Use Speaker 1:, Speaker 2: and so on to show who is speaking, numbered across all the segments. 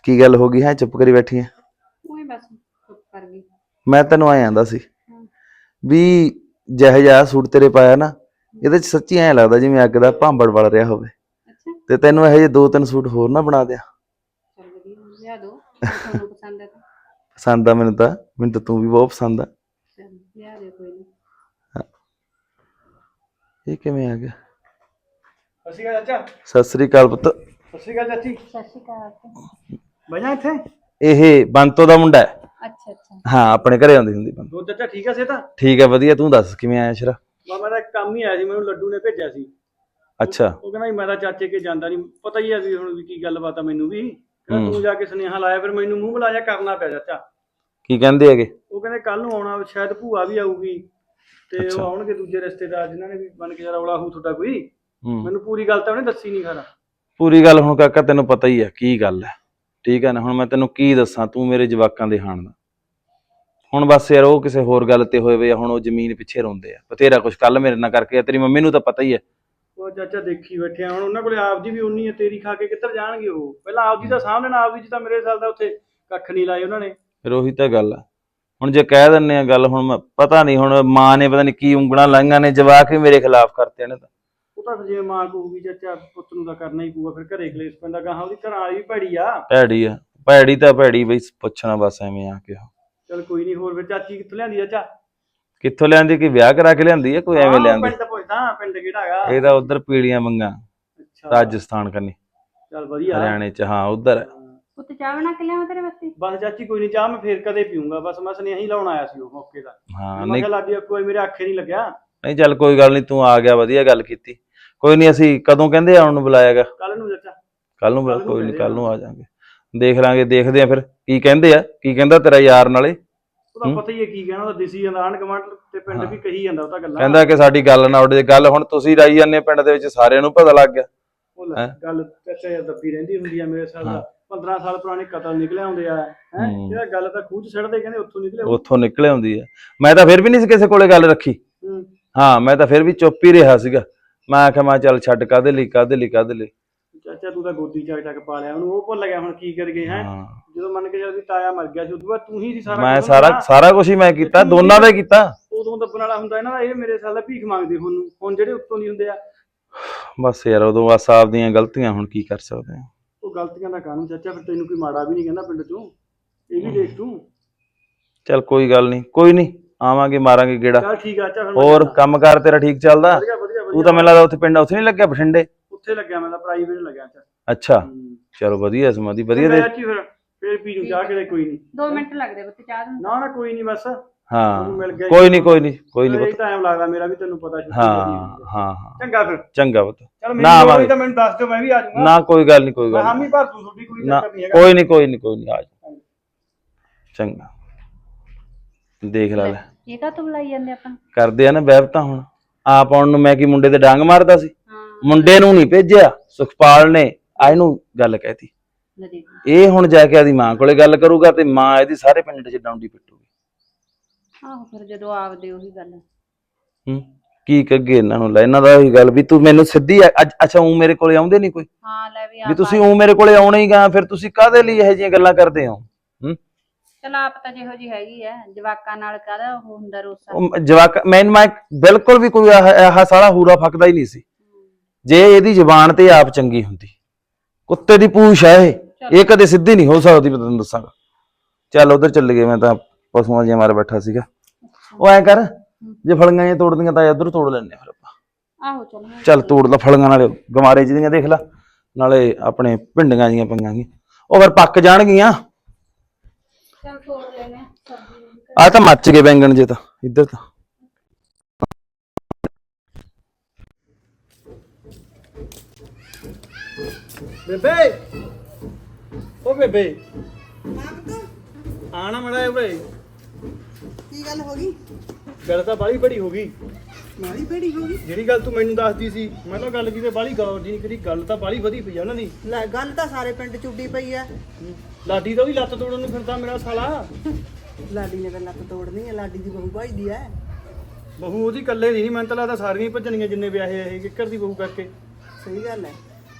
Speaker 1: ਕੀ ਗੱਲ ਹੋ ਗਈ ਹੈ ਚੁੱਪ ਕਰੀ ਬੈਠੀ ਹੈ?
Speaker 2: ਉਹੀ ਬਸ ਚੁੱਪ ਕਰ ਗਈ।
Speaker 1: ਮੈਂ ਤੈਨੂੰ ਆਏ ਆਂਦਾ ਸੀ ਵੀ ਜਿਹੋ ਜਿਹਾ ਸੂਟ ਤੇਰੇ ਪਾਇਆ ਨਾ, ਇਹਦੇ ਚ ਸੱਚੀ ਐਂ ਲੱਗਦਾ ਜਿਵੇਂ ਅੱਗ ਦਾ ਭਾਂਬੜ ਵਲ ਰਿਹਾ ਹੋਵੇ।
Speaker 2: ਅੱਛਾ
Speaker 1: ਤੇ ਤੈਨੂੰ ਇਹੋ ਜਿਹੇ 2-3 ਸੂਟ ਹੋਰ ਨਾ ਬਣਾ ਦਿਆਂ।
Speaker 2: ਚਲ ਵਧੀਆ ਲਿਆ ਦੋ, ਤੁਹਾਨੂੰ ਪਸੰਦ ਹੈ ਤਾਂ
Speaker 1: ਪਸੰਦ ਆ ਮੈਨੂੰ ਤਾਂ ਤੂੰ ਵੀ ਬਹੁਤ ਪਸੰਦ ਆ।
Speaker 2: ਚਲ ਲਿਆ ਦੇ ਕੋਈ ਨਹੀਂ।
Speaker 1: ਇਹ ਕਿਵੇਂ ਆ ਗਿਆ?
Speaker 3: ਸਤਿ ਸ਼੍ਰੀ ਅਕਾਲ ਚਾਚਾ।
Speaker 1: ਸਤਿ ਸ੍ਰੀ ਅਕਾਲ ਪੁੱਤ।
Speaker 3: ਸਤਿ ਸ਼੍ਰੀ ਅਕਾਲ ਚਾਚੀ।
Speaker 2: ਸਤਿ ਸ਼੍ਰੀ ਅਕਾਲ।
Speaker 3: ਬੈਠਾ ਇੱਥੇ।
Speaker 1: ਇਹ ਬੰਤੋ ਦਾ ਮੁੰਡਾ ਹੈ।
Speaker 2: ਅੱਛਾ ਅੱਛਾ
Speaker 1: ਹਾਂ ਆਪਣੇ ਘਰੇ ਆਉਂਦੀ ਹੁੰਦੀ ਬੰਤੋ।
Speaker 3: ਦੋ ਚਾਚਾ ਠੀਕ ਆ ਸੇ ਤਾਂ?
Speaker 1: ਠੀਕ ਹੈ ਵਧੀਆ, ਤੂੰ ਦੱਸ ਕਿਵੇਂ ਆਇਆ ਸ਼ਰਾ?
Speaker 3: ਮੈਂ ਤਾਂ ਇੱਕ ਕੰਮ ਹੀ ਆਇਆ ਸੀ, ਮੈਨੂੰ ਲੱਡੂ ਨੇ ਭੇਜਿਆ ਸੀ।
Speaker 1: ਅੱਛਾ
Speaker 3: ਉਹ ਕਹਿੰਦਾ ਮੈਂ ਤਾਂ ਚਾਚੇ ਕੇ ਜਾਂਦਾ ਨਹੀਂ, ਪਤਾ ਹੀ ਆ ਵੀ ਹੁਣ ਵੀ ਕੀ ਗੱਲਬਾਤ ਆ ਮੈਨੂੰ ਵੀ। ਕਹਿੰਦਾ ਤੂੰ ਜਾ ਕੇ ਸੁਨੇਹਾ ਲਾਇਆ, ਫਿਰ ਮੈਨੂੰ ਮੂੰਹ ਬੁਲਾਇਆ ਕਰਨਾ ਪਿਆ ਚਾਚਾ।
Speaker 1: ਕੀ ਕਹਿੰਦੇ ਹੈਗੇ?
Speaker 3: ਉਹ ਕਹਿੰਦੇ ਕੱਲ ਨੂੰ ਆਉਣਾ, ਸ਼ਾਇਦ ਭੂਆ ਵੀ ਆਊਗੀ ਤੇ ਉਹ ਆਉਣਗੇ ਦੂਜੇ ਰਿਸ਼ਤੇਦਾਰ ਜਿਨ੍ਹਾਂ ਨੇ ਵੀ ਬਣ ਕੇ ਰੌਲਾ ਹੋਊ ਤੁਹਾਡਾ ਕੋਈ। ਮੈਨੂੰ ਪੂਰੀ ਗੱਲ ਤਾਂ ਉਹਨੇ ਦੱਸੀ ਨਹੀਂ ਖਰਾ।
Speaker 1: ਪੂਰੀ ਗੱਲ ਹੁਣ ਕਾਕਾ ਤੈਨੂੰ ਪਤਾ ਹੀ ਹੈ ਕੀ ਗੱਲ ਹੈ, ਠੀਕ ਹੈ ਨਾ। ਹੁਣ ਮੈਂ ਤੈਨੂੰ ਕੀ ਦੱਸਾਂ, ਤੂੰ ਮੇਰੇ ਜਵਾਕਾਂ ਦੇ ਹਾਣ ਦਾ। ਹੁਣ ਬਸ ਯਾਰ ਉਹ ਕਿਸੇ ਹੋਰ ਗੱਲ ਤੇ ਹੋਏ ਵੇ, ਹੁਣ ਉਹ ਜ਼ਮੀਨ ਪਿੱਛੇ ਰੋਂਦੇ ਆ ਬਥੇਰਾ ਕੁਛ। ਕੱਲ ਮੇਰੇ ਨਾਲ ਕਰਕੇ ਤੇਰੀ ਮੰਮੀ ਨੂੰ ਤਾਂ ਪਤਾ ਹੀ ਹੈ।
Speaker 3: ਉਹ ਚਾਚਾ ਦੇਖੀ ਬੈਠੇ ਹੁਣ ਉਹਨਾਂ ਕੋਲੇ ਆਪਦੀ ਵੀ ਉਨੀ ਹੈ, ਤੇਰੀ ਖਾ ਕੇ ਕਿੱਧਰ ਜਾਣਗੇ ਉਹ। ਪਹਿਲਾਂ ਆਪਦੀ ਤਾਂ ਸਾਹਮਣੇ ਨਾ, ਆਪਦੀ ਚ ਤਾਂ ਮੇਰੇ ਸਾਲ ਦਾ ਉੱਥੇ ਕੱਖ ਨਹੀਂ ਲਾਏ ਉਹਨਾਂ ਨੇ।
Speaker 1: ਫਿਰ ਉਹੀ ਤਾਂ ਗੱਲ ਆ। ਹੁਣ ਜੇ ਕਹਿ ਦਿੰਦੇ ਆ ਗੱਲ, ਹੁਣ ਪਤਾ ਨਹੀਂ ਹੁਣ ਮਾਂ ਨੇ ਪਤਾ ਨਹੀਂ ਕੀ ਉਂਗਲਾਂ ਲਾਈਆਂ ਨੇ, ਜਵਾਕ ਵੀ ਮੇਰੇ ਖਿਲਾਫ ਕਰਤੇ ਨੇ। ਤਾਂ
Speaker 3: ਉਹ ਤਾਂ ਜਿਵੇਂ ਮਾਂ ਕਹੂਗੀ ਚਾਚਾ ਪੁੱਤ ਨੂੰ ਤਾਂ ਕਰਨਾ ਹੀ ਪਊਗਾ, ਫਿਰ ਘਰੇ ਕਲੇਸ਼ ਪੈਂਦਾ। ਗਾਹਾਂ ਉਹਦੀ ਘਰਾਂ ਵਾਲੀ ਵੀ ਭੈੜੀ ਆ।
Speaker 1: ਭੈੜੀ ਆ, ਭੈੜੀ ਤਾਂ ਭੈੜੀ ਬਈ, ਪੁੱਛਣਾ ਬਸ ਐਵੇਂ ਆ ਕੇ।
Speaker 3: ਚਲ ਕੋਈ ਨਹੀਂ। ਹੋਰ ਫਿਰ ਚਾਚੀ ਕਿੱਥੋਂ ਲਿਆਂਦੀ ਚਾਚਾ?
Speaker 1: ਕਿੱਥੋਂ ਲਿਆਂਦੀ? ਕਿ ਵਿਆਹ ਕਰਾ ਕੇ ਲਿਆਂਦੀ ਹੈ ਕੋਈ ਐਵੇਂ ਲਿਆਂਦੀ?
Speaker 3: ਪਿੰਡ ਪੁੱਛਦਾ, ਪਿੰਡ ਕਿਹੜਾ ਹੈਗਾ?
Speaker 1: ਇਹ ਤਾਂ ਉਧਰ ਪੀੜੀਆਂ ਮੰਗਾ,
Speaker 3: ਅੱਛਾ
Speaker 1: ਰਾਜਸਥਾਨ ਕੰਨੀ,
Speaker 3: ਚਲ ਵਧੀਆ।
Speaker 1: ਹਰਿਆਣੇ ਚ। ਹਾਂ ਉਧਰ।
Speaker 2: ਪੁੱਤ ਚਾਹ ਬਣਾ ਕੇ ਲਿਆਵਾਂ ਤੇਰੇ ਵਾਸਤੇ?
Speaker 3: ਬਸ ਚਾਚੀ ਕੋਈ ਨਹੀਂ, ਚਾਹ ਮੈਂ ਫੇਰ ਕਦੇ ਪੀਊਂਗਾ। ਬਸ ਮੈਂ ਸੁਨੇਹਾ ਹੀ ਲਾਉਣ ਆਇਆ ਸੀ ਉਹ ਮੌਕੇ ਦਾ।
Speaker 1: ਹਾਂ
Speaker 3: ਮੈਂ
Speaker 1: ਨਹੀਂ
Speaker 3: ਕਿਹਾ ਲਾਡੀ ਕੋਈ ਮੇਰੇ ਆਖੇ ਨਹੀਂ ਲੱਗਿਆ।
Speaker 1: ਨਹੀਂ ਚੱਲ ਕੋਈ ਗੱਲ ਨਹੀਂ, ਤੂੰ ਆ ਗਿਆ ਵਧੀਆ ਗੱਲ ਕੀਤੀ। ਕੋਈ ਨਹੀਂ, ਅਸੀਂ ਕਦੋਂ ਕਹਿੰਦੇ ਆਉਣ ਨੂੰ ਬੁਲਾਇਆਗਾ?
Speaker 3: ਕੱਲ ਨੂੰ ਚਾਚਾ।
Speaker 1: ਕੱਲ ਨੂੰ ਬੁਲਾ, ਕੋਈ ਨਹੀਂ ਕੱਲ ਨੂੰ ਆ ਜਾਾਂਗੇ। ਦੇਖ ਲਾਂਗੇ, ਦੇਖਦੇ ਆ ਫਿਰ ਕੀ ਕਹਿੰਦੇ ਆ। ਕੀ ਕਹਿੰਦਾ ਤੇਰਾ ਯਾਰ ਨਾਲੇ?
Speaker 3: ਉਹਦਾ ਪਤਾ ਹੀ ਹੈ ਕੀ ਕਹਿਣਾ, ਉਹਦਾ ਦਿਸੀ ਜਾਂਦਾ। ਆਂਢ ਗੁਆਂਢ ਤੇ ਪਿੰਡ ਵੀ ਕਹੀ ਜਾਂਦਾ ਉਹ ਤਾਂ ਗੱਲਾਂ।
Speaker 1: ਕਹਿੰਦਾ ਕਿ ਸਾਡੀ ਗੱਲ ਨਾ ਉੱਡੇ। ਗੱਲ ਹੁਣ ਤੁਸੀਂ ਰਾਈ ਜਾਂਦੇ ਪਿੰਡ ਦੇ ਵਿੱਚ, ਸਾਰਿਆਂ ਨੂੰ ਪਤਾ ਲੱਗ ਗਿਆ।
Speaker 3: ਉਹ ਗੱਲ ਚਾਚਾ ਯਾਰ ਦੱਬੀ ਰਹਿੰਦੀ ਹੁੰਦੀ ਆ। ਮੇਰੇ ਸਾਲ ਦਾ 15 ਸਾਲ ਪੁਰਾਣੇ ਕਤਲ ਨਿਕਲੇ ਆਉਂਦੇ ਆ। ਇਹਦਾ ਗੱਲ ਤਾਂ ਖੂਹ ਚ ਸਿੱਟਦੇ, ਕਹਿੰਦੇ ਉੱਥੋਂ ਨਿਕਲੇ
Speaker 1: ਆਉਂਦੀ ਆ। ਮੈਂ ਤਾਂ ਫਿਰ ਵੀ ਨਹੀਂ ਸੀ ਕਿਸੇ ਕੋਲੇ ਗੱਲ ਰੱਖੀ। ਹਾਂ ਮੈਂ ਤਾਂ ਫਿਰ ਵੀ ਚੁੱਪ ਹੀ ਰਿਹਾ ਸੀਗਾ। ਮੈਂ ਆਖਿਆ ਮੈਂ ਚੱਲ ਛੱਡ, ਕਾਹਦੇ ਲਈ।
Speaker 3: ਚਾਚਾ ਤੂੰ ਤਾਂ ਗੋਦੀ ਚੱਕ ਪਾ ਲਿਆ ਉਹਨੂੰ, ਉਹ ਭੁੱਲ ਗਿਆ ਹੁਣ ਕੀ ਕਰ ਗਏ ਹੈ। ਜਦੋਂ ਮੰਨ ਕੇ ਚੱਲ ਵੀ ਤਾਇਆ ਮਰ ਗਿਆ ਸੀ, ਉਦੋਂ ਬਾਅਦ ਤੂੰ ਹੀ ਸੀ ਸਾਰਾ।
Speaker 1: ਮੈਂ ਸਾਰਾ ਕੁਝ ਹੀ ਮੈਂ ਕੀਤਾ, ਦੋਨਾਂ ਦਾ ਕੀਤਾ।
Speaker 3: ਉਦੋਂ ਦੱਬਣ ਵਾਲਾ ਹੁੰਦਾ ਇਹਨਾਂ ਦਾ। ਇਹ ਮੇਰੇ ਸਾਲ ਦਾ ਭੀਖ ਮੰਗਦੇ ਹੁਣ ਜਿਹੜੇ ਉੱਤੋਂ ਨਹੀਂ ਹੁੰਦੇ ਆ।
Speaker 1: ਬਸ ਯਾਰ ਉਦੋਂ ਬਸ ਆਪਦੀਆਂ ਗਲਤੀਆਂ, ਹੁਣ ਕੀ ਕਰ ਸਕਦੇ ਆ।
Speaker 3: ਉਹ ਗਲਤੀਆਂ ਦਾ ਕਾਨੂੰਨ ਚਾਚਾ, ਫਿਰ ਤੈਨੂੰ ਕੋਈ ਮਾੜਾ ਵੀ ਨਹੀਂ ਕਹਿੰਦਾ ਪਿੰਡ ਚੋਂ। ਇਹ ਵੀ ਦੇਖ ਤੂੰ।
Speaker 1: ਚੱਲ ਕੋਈ ਗੱਲ ਨਹੀਂ, ਕੋਈ ਨਹੀਂ, ਆਵਾਂਗੇ ਮਾਰਾਂਗੇ ਗੇੜਾ।
Speaker 3: ਚੱਲ ਠੀਕ ਆ ਚਾਚਾ।
Speaker 1: ਹੋਰ ਕੰਮਕਾਰ ਤੇਰਾ ਠੀਕ ਚੱਲਦਾ?
Speaker 3: ਵਧੀਆ ਵਧੀਆ।
Speaker 1: ਤੂੰ ਤਾਂ ਮੈਨੂੰ ਲੱਗਦਾ ਉੱਥੇ ਪਿੰਡ ਉੱਥੇ ਨਹੀਂ ਲੱਗਿਆ, ਬਠਿੰਡੇ?
Speaker 3: ਉੱਥੇ ਲੱਗਿਆ ਮੈਂ ਤਾਂ, ਪ੍ਰਾਈਵੇਟ ਲੱਗਿਆ ਚਾਚਾ।
Speaker 1: ਅੱਛਾ ਚਲੋ ਵਧੀਆ ਸਮਾਧੀ ਵਧੀਆ ਦੇ।
Speaker 3: ਚਾਚੀ ਫਿਰ ਪੀ ਨੂੰ ਚਾਹ ਕੇ ਕੋਈ ਨਹੀਂ।
Speaker 2: 2 ਮਿੰਟ ਲੱਗਦੇ ਪੁੱਤ ਚਾਹ ਨੂੰ।
Speaker 3: ਨਾ ਕੋਈ ਨਹੀਂ ਬਸ।
Speaker 1: ਹਾਂ
Speaker 3: ਕੋਈ
Speaker 1: ਨਹੀਂ
Speaker 3: ਟਾਈਮ ਲੱਗਦਾ ਮੇਰਾ ਵੀ, ਤੈਨੂੰ ਪਤਾ।
Speaker 1: ਹਾਂ
Speaker 3: ਚੰਗਾ ਫਿਰ।
Speaker 1: ਚੰਗਾ ਪੁੱਤ।
Speaker 3: ਚਲ ਮੈਨੂੰ ਤਾਂ ਮੈਨੂੰ ਦੱਸ ਦਿਓ, ਮੈਂ ਵੀ ਆ ਜਾਊਂਗਾ।
Speaker 1: ਨਾ ਕੋਈ ਗੱਲ ਨਹੀਂ
Speaker 3: ਹਾਮੀ ਭਰ ਤੂੰ, ਤੁਹਾਡੀ ਕੋਈ ਚੱਕਰ ਨਹੀਂ ਹੈਗਾ।
Speaker 1: ਕੋਈ ਨਹੀਂ ਆ ਜਾ। ਚੰਗਾ ਦੇਖ ਲੈ।
Speaker 2: ਇਹ ਕਾ ਤੂੰ ਬੁਲਾਈ ਜਾਂਦੇ ਆਪਾਂ? ਕਰਦੇ
Speaker 1: ਆ ਨਾ ਵੈਬ ਤਾਂ ਹੁਣ ਆਪ ਆਉਣ ਨੂੰ। ਮੈਂ ਕੀ ਮੁੰਡੇ ਤੇ ਡਾਂਗ ਮਾਰਦਾ ਸੀ? ਮੁੰਡੇ ਨੂੰ ਨਹੀਂ ਭੇਜਿਆ, ਸੁਖਪਾਲ ਨੇ ਇਹਨੂੰ ਗੱਲ ਕਹਿਤੀ। ਇਹ ਹੁਣ ਜਾ ਕੇ ਆਦੀ ਮਾਂ ਕੋਲੇ ਗੱਲ ਕਰੂਗਾ ਤੇ ਮਾਂ ਇਹਦੀ ਸਾਰੇ ਪਿੰਡ ਚ ਡਾਉਂਡੀ ਪਿੱਟੂਗੀ।
Speaker 2: ਆਹੋ ਫਿਰ ਜਦੋਂ ਆਪਦੇ ਉਹੀ ਗੱਲ।
Speaker 1: ਕੀ ਕੱਗੇ ਇਹਨਾਂ ਨੂੰ, ਲੈ ਇਹਨਾਂ ਦਾ ਉਹੀ ਗੱਲ ਵੀ ਤੂੰ ਮੈਨੂੰ ਸਿੱਧੀ ਅੱਛਾ ਉਹ ਮੇਰੇ ਕੋਲੇ ਆਉਂਦੇ ਨਹੀਂ ਕੋਈ?
Speaker 2: ਹਾਂ ਲੈ
Speaker 1: ਵੀ ਤੁਸੀਂ ਉਹ ਮੇਰੇ ਕੋਲੇ ਆਉਣਾ ਹੀ ਗਾ, ਫਿਰ ਤੁਸੀਂ ਕਾਹਦੇ ਲਈ ਇਹੋ ਜਿਹੀਆਂ ਗੱਲਾਂ ਕਰਦੇ ਹੋ?
Speaker 2: ਚਲ ਆਪ ਤਾਂ ਜਿਹੋ ਜੀ ਹੈਗੀ ਆ, ਜਵਾਕਾਂ ਨਾਲ ਕਾਹਦਾ ਉਹ ਹੁੰਦਾ ਰੋਸਾ।
Speaker 1: ਜਵਾਕ ਮੈਂ ਬਿਲਕੁਲ ਵੀ ਕੋਈ ਆਹ ਸਾਲਾ ਹੂਰਾ ਫੱਕਦਾ ਹੀ ਨਹੀਂ ਸੀ। ਜੇ ਇਹਦੀ ਜ਼ੁਬਾਨ ਤੇ ਆਪ ਚੰਗੀ ਹੁੰਦੀ। ਕੁੱਤੇ ਦੀ ਪੂਛ ਆ ਇਹ ਕਦੇ ਸਿੱਧੀ ਨਹੀਂ ਹੋ ਸਕਦੀ, ਮੈਂ ਤੈਨੂੰ ਦੱਸਾਂਗਾ। ਚੱਲ ਉਧਰ ਚੱਲ ਗਏ, ਮੈਂ ਤਾਂ ਪਸ਼ੂਆਂ ਜਿਹਾ ਮਾਰ ਬੈਠਾ ਸੀਗਾ। ਉਹ ਐ ਕਰ, ਜੇ ਫਲੀਆਂ ਜਿਹੀਆਂ ਤੋੜਦੀਆਂ ਤਾਂ ਉਧਰ ਤੋੜ ਲੈਣੇ ਫਿਰ ਆਪਾਂ।
Speaker 2: ਆਹੋ
Speaker 1: ਚੱਲ ਤੋੜ ਲਾ ਫਲੀਆਂ, ਨਾਲੇ ਗਮਾਰੇ ਜਿਹਦੀਆਂ ਦੇਖ ਲਾ, ਨਾਲੇ ਆਪਣੇ ਭਿੰਡੀਆਂ ਜੀਆਂ ਪਈਆਂ ਗੀਆਂ, ਉਹ ਫਿਰ ਪੱਕ ਜਾਣਗੀਆਂ।
Speaker 2: ਚੱਲ ਤੋੜ ਲੈਨੇ ਆ।
Speaker 1: ਆ ਤਾਂ ਮੱਚ ਗਏ ਬੈਂਗਣ ਜੇ ਤਾਂ ਇੱਧਰ ਤਾਂ।
Speaker 3: ਬੇਬੇ ਉਹ ਬੇਬੇ ਆਣਾ ਮੜਾ ਓਏ।
Speaker 4: ਕੀ ਗੱਲ ਹੋ ਗਈ?
Speaker 3: ਗੱਲ ਤਾਂ ਬਾਲੀ ਬੜੀ ਹੋ ਗਈ।
Speaker 4: ਮਾੜੀ ਭੇੜੀ ਹੋ ਗਈ?
Speaker 3: ਜਿਹੜੀ ਗੱਲ ਤੂੰ ਮੈਨੂੰ ਦੱਸਦੀ ਸੀ, ਮੈਂ ਤਾਂ ਗੱਲ ਕਿਤੇ ਬਾਲੀ ਗੌਰ ਜੀ ਨਹੀਂ ਕਰੀ। ਗੱਲ ਤਾਂ ਬਾਲੀ ਵਧੀ ਪਈ ਆ ਉਹਨਾਂ ਦੀ।
Speaker 4: ਲੈ ਗੱਲ ਤਾਂ ਸਾਰੇ ਪਿੰਡ ਚ ਉੱਡੀ ਪਈ ਐ।
Speaker 3: ਲਾਡੀ ਤਾਂ ਉਹਦੀ ਲੱਤ ਤੋੜਨ ਨੂੰ ਫਿਰਦਾ ਮੇਰਾ ਸਾਲਾ।
Speaker 4: ਲਾਡੀ ਨੇ ਤਾਂ ਲੱਤ ਤੋੜਨੀ ਐ, ਲਾਡੀ ਦੀ ਬਹੂ ਭਾਈਦੀ ਐ।
Speaker 3: ਬਹੂ ਉਹਦੀ ਇਕੱਲੇ ਦੀ ਨਹੀਂ, ਮੈਨੂੰ ਤਾਂ ਲੱਗਦਾ ਸਾਰੀਆਂ ਹੀ ਭੱਜਣੀਆਂ ਜਿੰਨੇ ਵਿਆਹੇ ਇਹ ਕਿੱਕਰ ਦੀ ਬਹੂ ਕਰਕੇ।
Speaker 4: ਸਹੀ ਗੱਲ ਐ।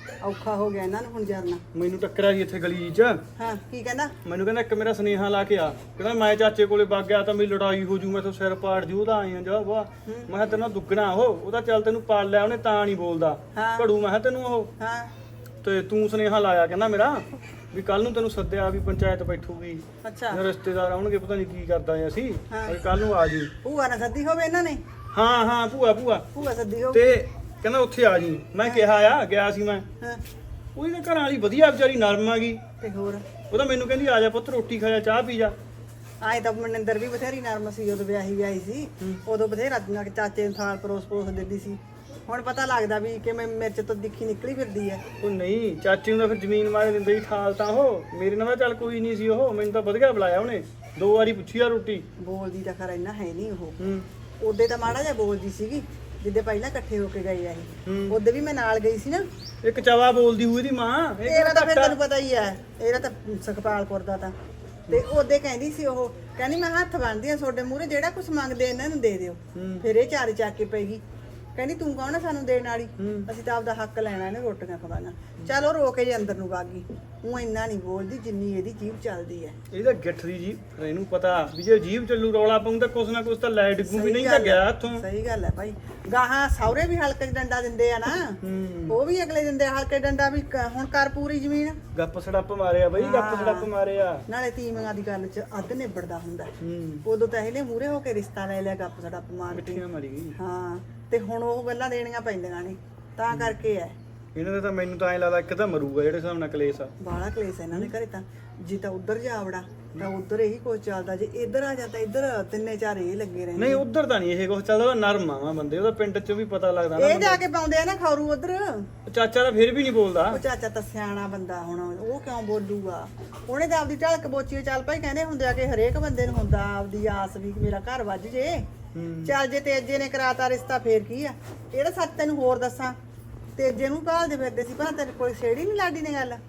Speaker 4: ਔਖਾ ਹੋ ਗਿਆ ਇਹਨਾਂ ਨੂੰ ਹੁਣ ਜਰਨਾ।
Speaker 3: ਮੈਨੂੰ ਟੱਕਰਿਆ ਜੀ ਇੱਥੇ ਗਲੀ 'ਚ।
Speaker 4: ਹਾਂ ਕੀ ਕਹਿੰਦਾ?
Speaker 3: ਮੈਨੂੰ ਕਹਿੰਦਾ ਇੱਕ ਮੇਰਾ ਸੁਨੇਹਾ ਲਾ ਕੇ ਆ, ਕਹਿੰਦਾ ਮੈਂ ਚਾਚੇ ਕੋਲੇ ਵਗ ਗਿਆ ਤਾਂ ਮੇਰੀ ਲੜਾਈ ਹੋ ਜੂ, ਮੈਥੋਂ ਸਿਰ ਪਾੜ ਜੂ, ਉਹਦਾ ਆਈਆਂ ਜਾ ਵਾ। ਮੈਂ ਕਿਹਾ ਤੈਨੂੰ ਦੁੱਗਣਾ ਉਹਦਾ ਚੱਲ ਤੈਨੂੰ ਪਾਲ ਲਿਆ ਉਹਨੇ ਤਾਂ ਨਹੀਂ ਬੋਲਦਾ ਘੜੂ। ਮੈਂ ਕਿਹਾ ਤੈਨੂੰ ਉਹ
Speaker 4: ਹਾਂ
Speaker 3: ਤੇ ਤੂੰ ਸੁਨੇਹਾ ਲਾਇਆ ਕਹਿੰਦਾ ਮੇਰਾ ਵੀ ਕੱਲ ਨੂੰ ਤੈਨੂੰ ਸੱਦਿਆ ਵੀ ਪੰਚਾਇਤ ਬੈਠੂਗੀ,
Speaker 4: ਅੱਛਾ
Speaker 3: ਰਿਸ਼ਤੇਦਾਰ ਆਉਣਗੇ, ਪਤਾ ਨਹੀਂ ਕੀ ਕਰਦਾ ਅਸੀਂ, ਕੱਲ ਨੂੰ ਆ ਜੀ।
Speaker 4: ਭੂਆ ਨਾਲ ਸੱਦੀ ਹੋਵੇ ਇਹਨਾਂ ਨੇ?
Speaker 3: ਹਾਂ ਭੂਆ
Speaker 4: ਭੂਆ ਸੱਦੀ ਹੋਵੇ
Speaker 3: ਤੇ ਕਹਿੰਦਾ ਉੱਥੇ ਆ ਜੀ। ਮੈਂ ਕਿਹਾ ਆ ਗਿਆ ਸੀ ਮੈਂ।
Speaker 4: ਹਾਂ
Speaker 3: ਉਹਦੀ ਤਾਂ ਘਰਾਂ ਵਾਲੀ ਵਧੀਆ ਵਿਚਾਰੀ ਨਰਮ ਆ ਗਈ।
Speaker 4: ਤੇ ਹੋਰ
Speaker 3: ਉਹ ਤਾਂ ਮੈਨੂੰ ਕਹਿੰਦੀ ਆ ਜਾ ਪੁੱਤ ਰੋਟੀ ਖਾ ਜਾ, ਚਾਹ ਪੀ ਜਾ।
Speaker 4: ਆਏ ਤਾਂ ਮਨਿੰਦਰ ਵੀ ਬਥੇਰੀ ਨਰਮ ਸੀ, ਉਦੋਂ ਵਿਆਹੀ ਸੀ, ਉਦੋਂ ਬਥੇਰਾ ਚਾਚੇ ਨੂੰ ਥਾਲ ਪਰੋਸ ਦਿੰਦੀ ਸੀ। ਹੁਣ ਪਤਾ ਲੱਗਦਾ ਵੀ ਕਿਵੇਂ ਮਿਰਚ ਤੋਂ ਦਿਖੀ ਨਿਕਲੀ ਫਿਰਦੀ ਐ।
Speaker 3: ਉਹ ਨਹੀਂ, ਚਾਚੀ ਨੂੰ ਤਾਂ ਫਿਰ ਜ਼ਮੀਨ ਮਾਰੇ ਦਿੰਦੇ ਹੀ ਠਾਲ ਤਾਂ ਉਹ। ਮੇਰੇ ਨਾਲ ਤਾਂ ਚੱਲ ਕੋਈ ਨਹੀਂ ਸੀ, ਉਹ ਮੈਨੂੰ ਤਾਂ ਵਧੀਆ ਬੁਲਾਇਆ ਉਹਨੇ, 2 ਵਾਰੀ ਪੁੱਛੀ ਆ ਰੋਟੀ।
Speaker 4: ਬੋਲਦੀ ਤਾਂ ਖਰਾ ਇੰਨਾ ਹੈ ਨਹੀਂ ਉਹ।
Speaker 3: ਹੂੰ
Speaker 4: ਉਹਦੇ ਤਾਂ ਮਾੜਾ ਜਿਹਾ ਬੋਲਦੀ ਸੀਗੀ ਜਿੱਦੇ ਪਹਿਲਾਂ ਇਕੱਠੇ ਹੋ ਕੇ ਗਏ ਆ ਇਹ। ਉਹਦੇ ਵੀ ਮੈਂ ਨਾਲ ਗਈ ਸੀ ਨਾ।
Speaker 3: ਇੱਕ ਚਵਾ ਬੋਲਦੀ ਹੋਈ ਦੀ ਮਾਂ।
Speaker 4: ਇਹਦਾ ਤਾਂ ਫਿਰ ਤੈਨੂੰ ਪਤਾ ਹੀ ਐ, ਇਹਦਾ ਤਾਂ ਸੁਖਪਾਲਪੁਰ ਦਾ ਤਾਂ। ਤੇ ਉਹਦੇ ਕਹਿੰਦੀ ਸੀ ਉਹ, ਕਹਿੰਦੀ ਮੈਂ ਹੱਥ ਬੰਨ੍ਹਦੀ ਆ ਤੁਹਾਡੇ ਮੂਹਰੇ, ਜਿਹੜਾ ਕੁਝ ਮੰਗਦੇ ਇਹਨਾਂ ਨੂੰ ਦੇ ਦਿਓ। ਫਿਰ ਇਹ ਚਾਰੇ ਚੱਕ ਕੇ ਪਏਗੀ, ਕਹਿੰਦੀ ਤੂੰ ਕੌਣ ਆ ਸਾਨੂੰ ਦੇਣ ਵਾਲੀ, ਅਸੀਂ ਤਾਂ ਆਪਦਾ ਹੱਕ ਲੈਣਾ ਇਹਨੇ ਰੋਟੀਆਂ ਖਵਾਉਣਾ। ਚੱਲ ਉਹ ਰੋ ਕੇ ਜੇ ਅੰਦਰ ਨੂੰ ਵਾਗੀ। ਉਹ ਇੰਨਾ ਨਹੀਂ ਬੋਲਦੀ ਜਿੰਨੀ ਇਹਦੀ ਜੀਭ ਚੱਲਦੀ ਐ।
Speaker 3: ਇਹਦਾ ਗਿੱਠ ਦੀ ਜੀ, ਇਹਨੂੰ ਪਤਾ ਵੀ ਜੇ ਜੀਭ ਚੱਲੂ ਰੌਲਾ ਪਾਉਂ ਤਾਂ ਕੁਛ ਨਾ ਕੁਛ ਤਾਂ ਲੈ ਡਿੱਗੂ ਵੀ, ਨਹੀਂ ਤਾਂ ਗਿਆ ਹੱਥੋਂ।
Speaker 4: ਸਹੀ ਗੱਲ ਹੈ ਭਾਈ। ਗਾਹਾਂ ਸਹੁਰੇ ਵੀ ਹਲਕੇ 'ਚ ਡੰਡਾ ਦਿੰਦੇ ਆ ਨਾ, ਉਹ ਵੀ ਅਗਲੇ ਦਿੰਦੇ ਆ ਹਲਕੇ ਡੰਡਾ ਵੀ ਹੁਣ ਕਰ ਪੂਰੀ ਜ਼ਮੀਨ।
Speaker 3: ਗੱਪ ਸੜੱਪ ਮਾਰਿਆ ਬਈ, ਗੱਪ ਸੜੱਪ ਮਾਰਿਆ।
Speaker 4: ਨਾਲੇ ਤੀਵੀਆਂ ਦੀ ਗੱਲ 'ਚ ਅੱਧ ਨਿਬੜਦਾ ਹੁੰਦਾ। ਉਦੋਂ ਤਾਂ ਇਹਨੇ ਮੂਹਰੇ ਹੋ ਕੇ ਰਿਸ਼ਤਾ ਲੈ ਲਿਆ, ਗੱਪ ਸੜੱਪ ਮਾਰ ਕੇ।
Speaker 3: ਮਿੱਠੀਆਂ ਮਾਰੀ ਗਈ।
Speaker 4: ਹਾਂ ਤੇ ਹੁਣ ਉਹ ਗੱਲਾਂ ਦੇਣੀਆਂ ਪੈਂਦੀਆਂ ਨੇ, ਤਾਂ ਕਰਕੇ ਐ।
Speaker 3: ਇਹਨਾਂ ਦਾ ਤਾਂ ਮੈਨੂੰ ਤਾਂ ਐਂ ਲੱਗਦਾ ਇੱਕ ਤਾਂ ਮਰੂਗਾ ਜਿਹੜੇ ਹਿਸਾਬ ਨਾਲ ਕਲੇਸ਼ ਆ।
Speaker 4: ਬਾਹਲਾ ਕਲੇਸ਼ ਇਹਨਾਂ ਦੇ ਘਰੇ ਤਾਂ। ਜੇ ਤਾਂ ਉਧਰ ਜਾ ਵੜਾ ਤਾਂ ਉਧਰ ਇਹੀ ਕੁਝ ਚੱਲਦਾ, ਜੇ ਇੱਧਰ ਆ ਜਾਂਦਾ ਇੱਧਰ ਤਿੰਨੇ ਚਾਰ ਇਹ ਲੱਗੇ ਰਹਿੰਦੇ।
Speaker 3: ਨਹੀਂ ਉਧਰ ਤਾਂ ਨਹੀਂ ਇਹ ਕੁਛ ਚੱਲਦਾ, ਉਹ ਨਰਮ ਆ ਬੰਦੇ, ਉਹਦਾ ਪਿੰਡ 'ਚ ਵੀ ਪਤਾ ਲੱਗਦਾ ਨਾ।
Speaker 4: ਇਹ ਜਾ ਕੇ ਪਾਉਂਦੇ ਆ ਨਾ ਖੌਰੂ ਉਧਰ।
Speaker 3: ਚਾਚਾ ਤਾਂ ਫਿਰ ਵੀ ਨਹੀਂ ਬੋਲਦਾ।
Speaker 4: ਉਹ ਚਾਚਾ ਤਾਂ ਸਿਆਣਾ ਬੰਦਾ, ਹੁਣ ਉਹ ਕਿਉਂ ਬੋਲੂਗਾ? ਉਹਨੇ ਤਾਂ ਆਪਦੀ ਢਲਕ ਬੋਚੀ ਚੱਲ ਭਾਈ, ਕਹਿੰਦੇ ਹੁੰਦੇ ਆ ਕਿ ਹਰੇਕ ਬੰਦੇ ਨੂੰ ਹੁੰਦਾ ਆਪਦੀ ਆਸ ਵੀ ਮੇਰਾ ਘਰ ਵੱਜ ਜੇ। ਚੱਲ ਜੇ ਤੇਜੇ ਨੇ ਕਰਾਤਾ ਰਿਸ਼ਤਾ ਫੇਰ ਕੀ ਆ? ਇਹਦਾ ਸੱਚ ਤੈਨੂੰ ਹੋਰ ਦੱਸਾਂ, ਤੇਜੇ ਨੂੰ ਭਾਲਦੇ ਫਿਰਦੇ ਸੀ, ਪਰ ਤੇਰੇ ਕੋਲ ਛੇੜੀ ਨਹੀਂ ਲਾਡੀ ਨੇ ਗੱਲ।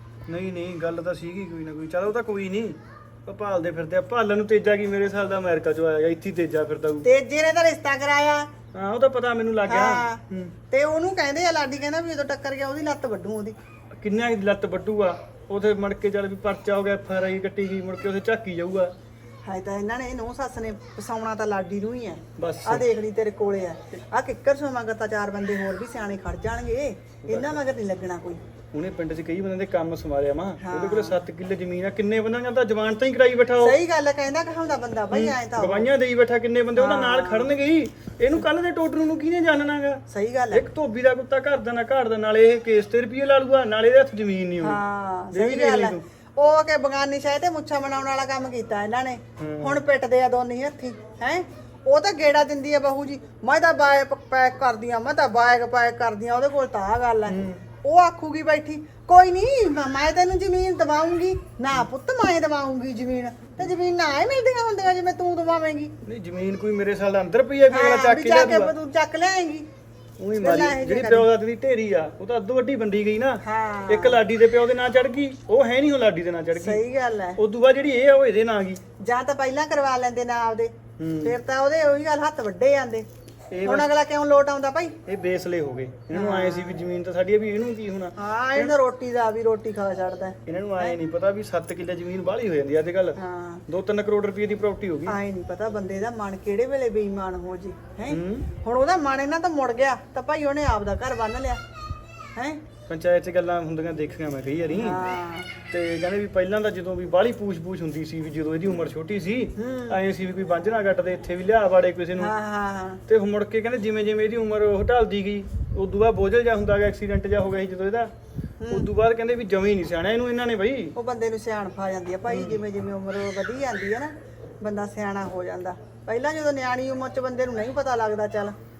Speaker 3: ਨਹੀਂ ਗੱਲ ਤਾਂ ਸੀਗੀ ਕੋਈ ਨਾ ਕੋਈ। ਚਲ ਉਹ ਤਾਂ ਕੋਈ ਨਹੀਂ, ਉਹ ਭਾਲਦੇ ਫਿਰਦੇ ਆ। ਭਾਲਣ ਨੂੰ ਤੇਜਾ ਕੀ ਮੇਰੇ ਸਾਲ ਦਾ ਅਮਰੀਕਾ ਚੋਂ ਆਇਆ ਗਿਆ, ਇੱਥੇ ਤੇਜਾ ਫਿਰਦਾ ਹੋਊ।
Speaker 4: ਤੇਜੇ ਨੇ ਤਾਂ ਰਿਸ਼ਤਾ ਕਰਾਇਆ।
Speaker 3: ਹਾਂ ਉਹ ਤਾਂ ਪਤਾ ਮੈਨੂੰ ਲੱਗ ਗਿਆ।
Speaker 4: ਤੇ ਉਹਨੂੰ ਕਹਿੰਦੇ ਆ, ਲਾਡੀ ਕਹਿੰਦਾ ਵੀ ਜਦੋਂ ਟੱਕਰ ਗਿਆ ਉਹਦੀ ਲੱਤ ਵੱਢੂ ਉਹਦੀ।
Speaker 3: ਕਿੰਨਾ ਦੀ ਲੱਤ ਵੱਢੂਗਾ ਉਥੇ ਮੜ ਕੇ, ਚੱਲ ਵੀ ਪਰਚਾ ਹੋ ਗਿਆ, FIR ਕੱਟੀ ਗਈ, ਮੁੜ ਕੇ ਉਥੇ ਝਾਕੀ ਜਾਊਗਾ।
Speaker 4: ਹਾਏ ਤਾਂ ਇਹਨਾਂ ਨੇ ਨੌ ਸੱਸ ਨੇ ਫਸਾਉਣਾ ਤਾਂ ਲਾਡੀ ਨੂੰ ਹੀ ਐ।
Speaker 3: ਬਸ
Speaker 4: ਆ ਦੇਖ ਲਈ ਤੇਰੇ ਕੋਲੇ ਆ, ਆ ਕਿੱਕਰ ਸੋ ਮਗਰ ਤਾਂ 4 ਬੰਦੇ ਹੋਰ ਵੀ ਸਿਆਣੇ ਖੜ ਜਾਣਗੇ, ਇਹਨਾਂ ਮਗਰ ਨਹੀਂ ਲੱਗਣਾ ਕੋਈ।
Speaker 3: ਉਹਨੇ ਪਿੰਡ 'ਚ ਕਈ ਬੰਦਿਆਂ ਦੇ ਕੰਮ ਸਮਾਰਿਆ ਮਾਂ। ਉਹਦੇ ਕੋਲੇ 7 ਕਿੱਲੇ ਜ਼ਮੀਨ ਆ, ਕਿੰਨੇ ਬੰਦਿਆਂ ਦਾ ਜਵਾਨ ਤਾਂ ਹੀ ਕਰਾਈ ਬੈਠਾ ਉਹ।
Speaker 4: ਸਹੀ ਗੱਲ ਹੈ, ਕਹਿੰਦਾ ਕਹਾਉਂਦਾ ਬੰਦਾ ਬਈ ਐ ਤਾਂ
Speaker 3: ਗਵਾਈਆਂ ਦੇਈ ਬੈਠਾ, ਕਿੰਨੇ ਬੰਦੇ ਉਹਦਾ ਨਾਲ ਖੜਨਗੇ ਹੀ। ਇਹਨੂੰ ਕੱਲ ਦੇ ਟੋਟਰੂ ਨੂੰ ਕਿਹਨੇ ਜਾਣਨਾਗਾ?
Speaker 4: ਸਹੀ ਗੱਲ ਹੈ।
Speaker 3: ਇੱਕ ਧੋਬੀ ਦਾ ਕੁੱਤਾ ਘਰ ਦਾ ਨਾ ਘਾੜ ਦਾ, ਨਾਲੇ ਇਹ ਕੇਸ ਤੇ ਰੁਪਏ ਲਾ ਲੂਗਾ, ਨਾਲੇ ਇਹਦੇ ਹੱਥ ਜ਼ਮੀਨ ਨਹੀਂ ਹੋਣੀ।
Speaker 4: ਹਾਂ ਸਹੀ ਗੱਲ ਹੈ। ਉਹ ਕਿ ਬਗਾਨੀ ਸ਼ਾਇਦ ਤੇ ਮੁੱਛਾਂ ਬਣਾਉਣ ਵਾਲਾ ਕੰਮ ਕੀਤਾ ਇਹਨਾਂ ਨੇ, ਹੁਣ ਪਿੱਟਦੇ ਆ ਦੋਨੇ ਹੱਥੀ ਹੈ। ਉਹ ਤਾਂ ਗੇੜਾ ਦਿੰਦੀ ਆ ਬਹੂ ਜੀ, ਮੈਂ ਤਾਂ ਬਾਇਕ ਪੈਕ ਕਰਦੀ ਆ, ਮੈਂ ਤਾਂ ਬਾਇਕ ਪੈਕ ਕਰਦੀ ਆ, ਉਹਦੇ ਕੋਲ ਤਾਂ ਆ ਗੱਲ ਹੈ। ਉਹ ਆਖੂਗੀ ਬੈਠੀ, ਕੋਈ ਨਹੀਂ ਮੈਂ ਤੈਨੂੰ ਜ਼ਮੀਨ ਦਵਾਉਂਗੀ ਨਾ ਪੁੱਤ, ਮੈਂ ਦਵਾਉਂਗੀ ਜ਼ਮੀਨ। ਤੇ ਜ਼ਮੀਨ ਨਾ ਹੀ ਮਿਲਦੀਆਂ ਹੁੰਦੀਆਂ ਜਿਵੇਂ ਤੂੰ ਦਵਾਵੇਂਗੀ।
Speaker 3: ਨਹੀਂ ਜ਼ਮੀਨ ਕੋਈ ਮੇਰੇ ਸਾਲ ਦਾ ਅੰਦਰ ਪਈ ਆ ਵੀ ਅਗਲਾ ਚੱਕ ਕੇ ਲਿਆਊਗਾ।
Speaker 4: ਤੂੰ ਚੱਕ ਲਿਆਏਂਗੀ।
Speaker 3: ਉਹੀ ਮਾਰੀ ਜਿਹੜੀ ਪਿਓ ਦਾ ਦੀ ਢੇਰੀ ਆ, ਉਹ ਤਾਂ ਅੱਧੋ ਵੱਡੀ ਬੰਦੀ ਗਈ ਨਾ। ਇੱਕ ਲਾਡੀ ਦੇ ਪਿਓ ਦੇ ਨਾਂ ਚੜ ਗਈ, ਉਹ ਹੈ ਨਹੀਂ, ਉਹ ਲਾਡੀ ਦੇ ਨਾਂ ਚੜ ਗਈ।
Speaker 4: ਸਹੀ ਗੱਲ ਹੈ।
Speaker 3: ਉਦੋਂ ਬਾਅਦ ਜਿਹੜੀ ਇਹ ਆ ਉਹ ਇਹਦੇ ਨਾਂ ਗਈ।
Speaker 4: ਜਾਂ ਤਾਂ ਪਹਿਲਾਂ ਕਰਵਾ ਲੈਂਦੇ ਨਾ ਆਪਦੇ, ਫਿਰ ਤਾਂ ਉਹਦੇ ਉਹੀ ਗੱਲ ਹੱਥ ਵੱਡੇ ਜਾਂਦੇ। ਹੁਣ ਅਗਲਾ ਕਿਉਂ ਲੋਟ ਆਉਂਦਾ ਭਾਈ?
Speaker 3: ਇਹ ਬੇਸਲੇ ਹੋ ਗਏ। ਇਹਨਾਂ ਨੂੰ ਆਏ ਸੀ ਵੀ ਜ਼ਮੀਨ ਤਾਂ ਸਾਡੀ ਆ, ਵੀ ਇਹਨੂੰ ਕੀ ਹੋਣਾ।
Speaker 4: ਹਾਂ ਇਹਨਾਂ ਰੋਟੀ ਦਾ ਵੀ ਰੋਟੀ ਖਾ ਛੱਡਦਾ।
Speaker 3: ਇਹਨਾਂ ਨੂੰ ਆਏ ਨਹੀਂ ਪਤਾ ਵੀ 7 ਕਿੱਲੇ ਜ਼ਮੀਨ ਬਾਹਲੀ ਹੋ ਜਾਂਦੀ ਅੱਜ ਕੱਲ।
Speaker 4: ਹਾਂ
Speaker 3: 2-3 ਕਰੋੜ ਰੁਪਏ ਦੀ ਪ੍ਰਾਪਰਟੀ ਹੋ ਗਈ।
Speaker 4: ਆਏ ਨਹੀਂ ਪਤਾ ਬੰਦੇ ਦਾ ਮਨ ਕਿਹੜੇ ਵੇਲੇ ਬੇਈਮਾਨ ਹੋ ਜੇ ਹੈ। ਹੁਣ ਉਹਦਾ ਮਨ ਇਹਨਾਂ ਤੋਂ ਮੁੜ ਗਿਆ ਤਾਂ ਭਾਈ ਉਹਨੇ ਆਪਦਾ ਘਰ ਬੰਨ ਲਿਆ ਹੈ।
Speaker 3: ਪੰਚਾਇਤ 'ਚ ਗੱਲਾਂ ਹੁੰਦੀਆਂ ਦੇਖੀਆਂ ਮੈਂ ਕਈ ਵਾਰੀ।
Speaker 4: ਹਾਂ
Speaker 3: ਤੇ ਕਹਿੰਦੇ ਵੀ ਪਹਿਲਾਂ ਤਾਂ ਜਦੋਂ ਵੀ ਬਾਹਲੀ ਪੂਛ ਹੁੰਦੀ ਸੀ, ਵੀ ਜਦੋਂ ਇਹਦੀ ਉਮਰ ਛੋਟੀ ਸੀ ਐਂ ਸੀ ਵੀ ਕੋਈ ਬੰਝਣਾ ਗੱਟਦੇ ਇੱਥੇ ਵੀ ਲਿਆ ਵਾੜੇ ਕਿਸੇ ਨੂੰ।
Speaker 4: ਹਾਂ ਹਾਂ
Speaker 3: ਤੇ ਮੁੜ ਕੇ ਕਹਿੰਦੇ ਜਿਵੇਂ ਜਿਵੇਂ ਇਹਦੀ ਉਮਰ ਉਹ ਢਲਦੀ ਗਈ, ਉਦੋਂ ਬਾਅਦ ਬੋਝਲ ਜਾ ਹੁੰਦਾ ਗਿਆ, ਐਕਸੀਡੈਂਟ ਜਾ ਹੋ ਗਿਆ ਸੀ ਜਦੋਂ ਇਹਦਾ। ਉਦੋਂ ਬਾਅਦ ਕਹਿੰਦੇ ਵੀ ਜਮੀ ਨਹੀਂ ਸਿਆਣਾ ਇਹਨੂੰ ਇਹਨਾਂ ਨੇ ਬਈ।
Speaker 4: ਉਹ ਬੰਦੇ ਨੂੰ ਸਿਆਣਪ ਆ ਜਾਂਦੀ ਆ ਭਾਈ, ਜਿਵੇਂ ਜਿਵੇਂ ਉਮਰ ਵਧੀ ਜਾਂਦੀ ਆ ਨਾ ਬੰਦਾ ਸਿਆਣਾ ਹੋ ਜਾਂਦਾ। ਪਹਿਲਾਂ ਜਦੋਂ ਨਿਆਣੀ ਉਮਰ 'ਚ ਬੰਦੇ ਨੂੰ ਨਹੀਂ ਪਤਾ ਲੱਗਦਾ।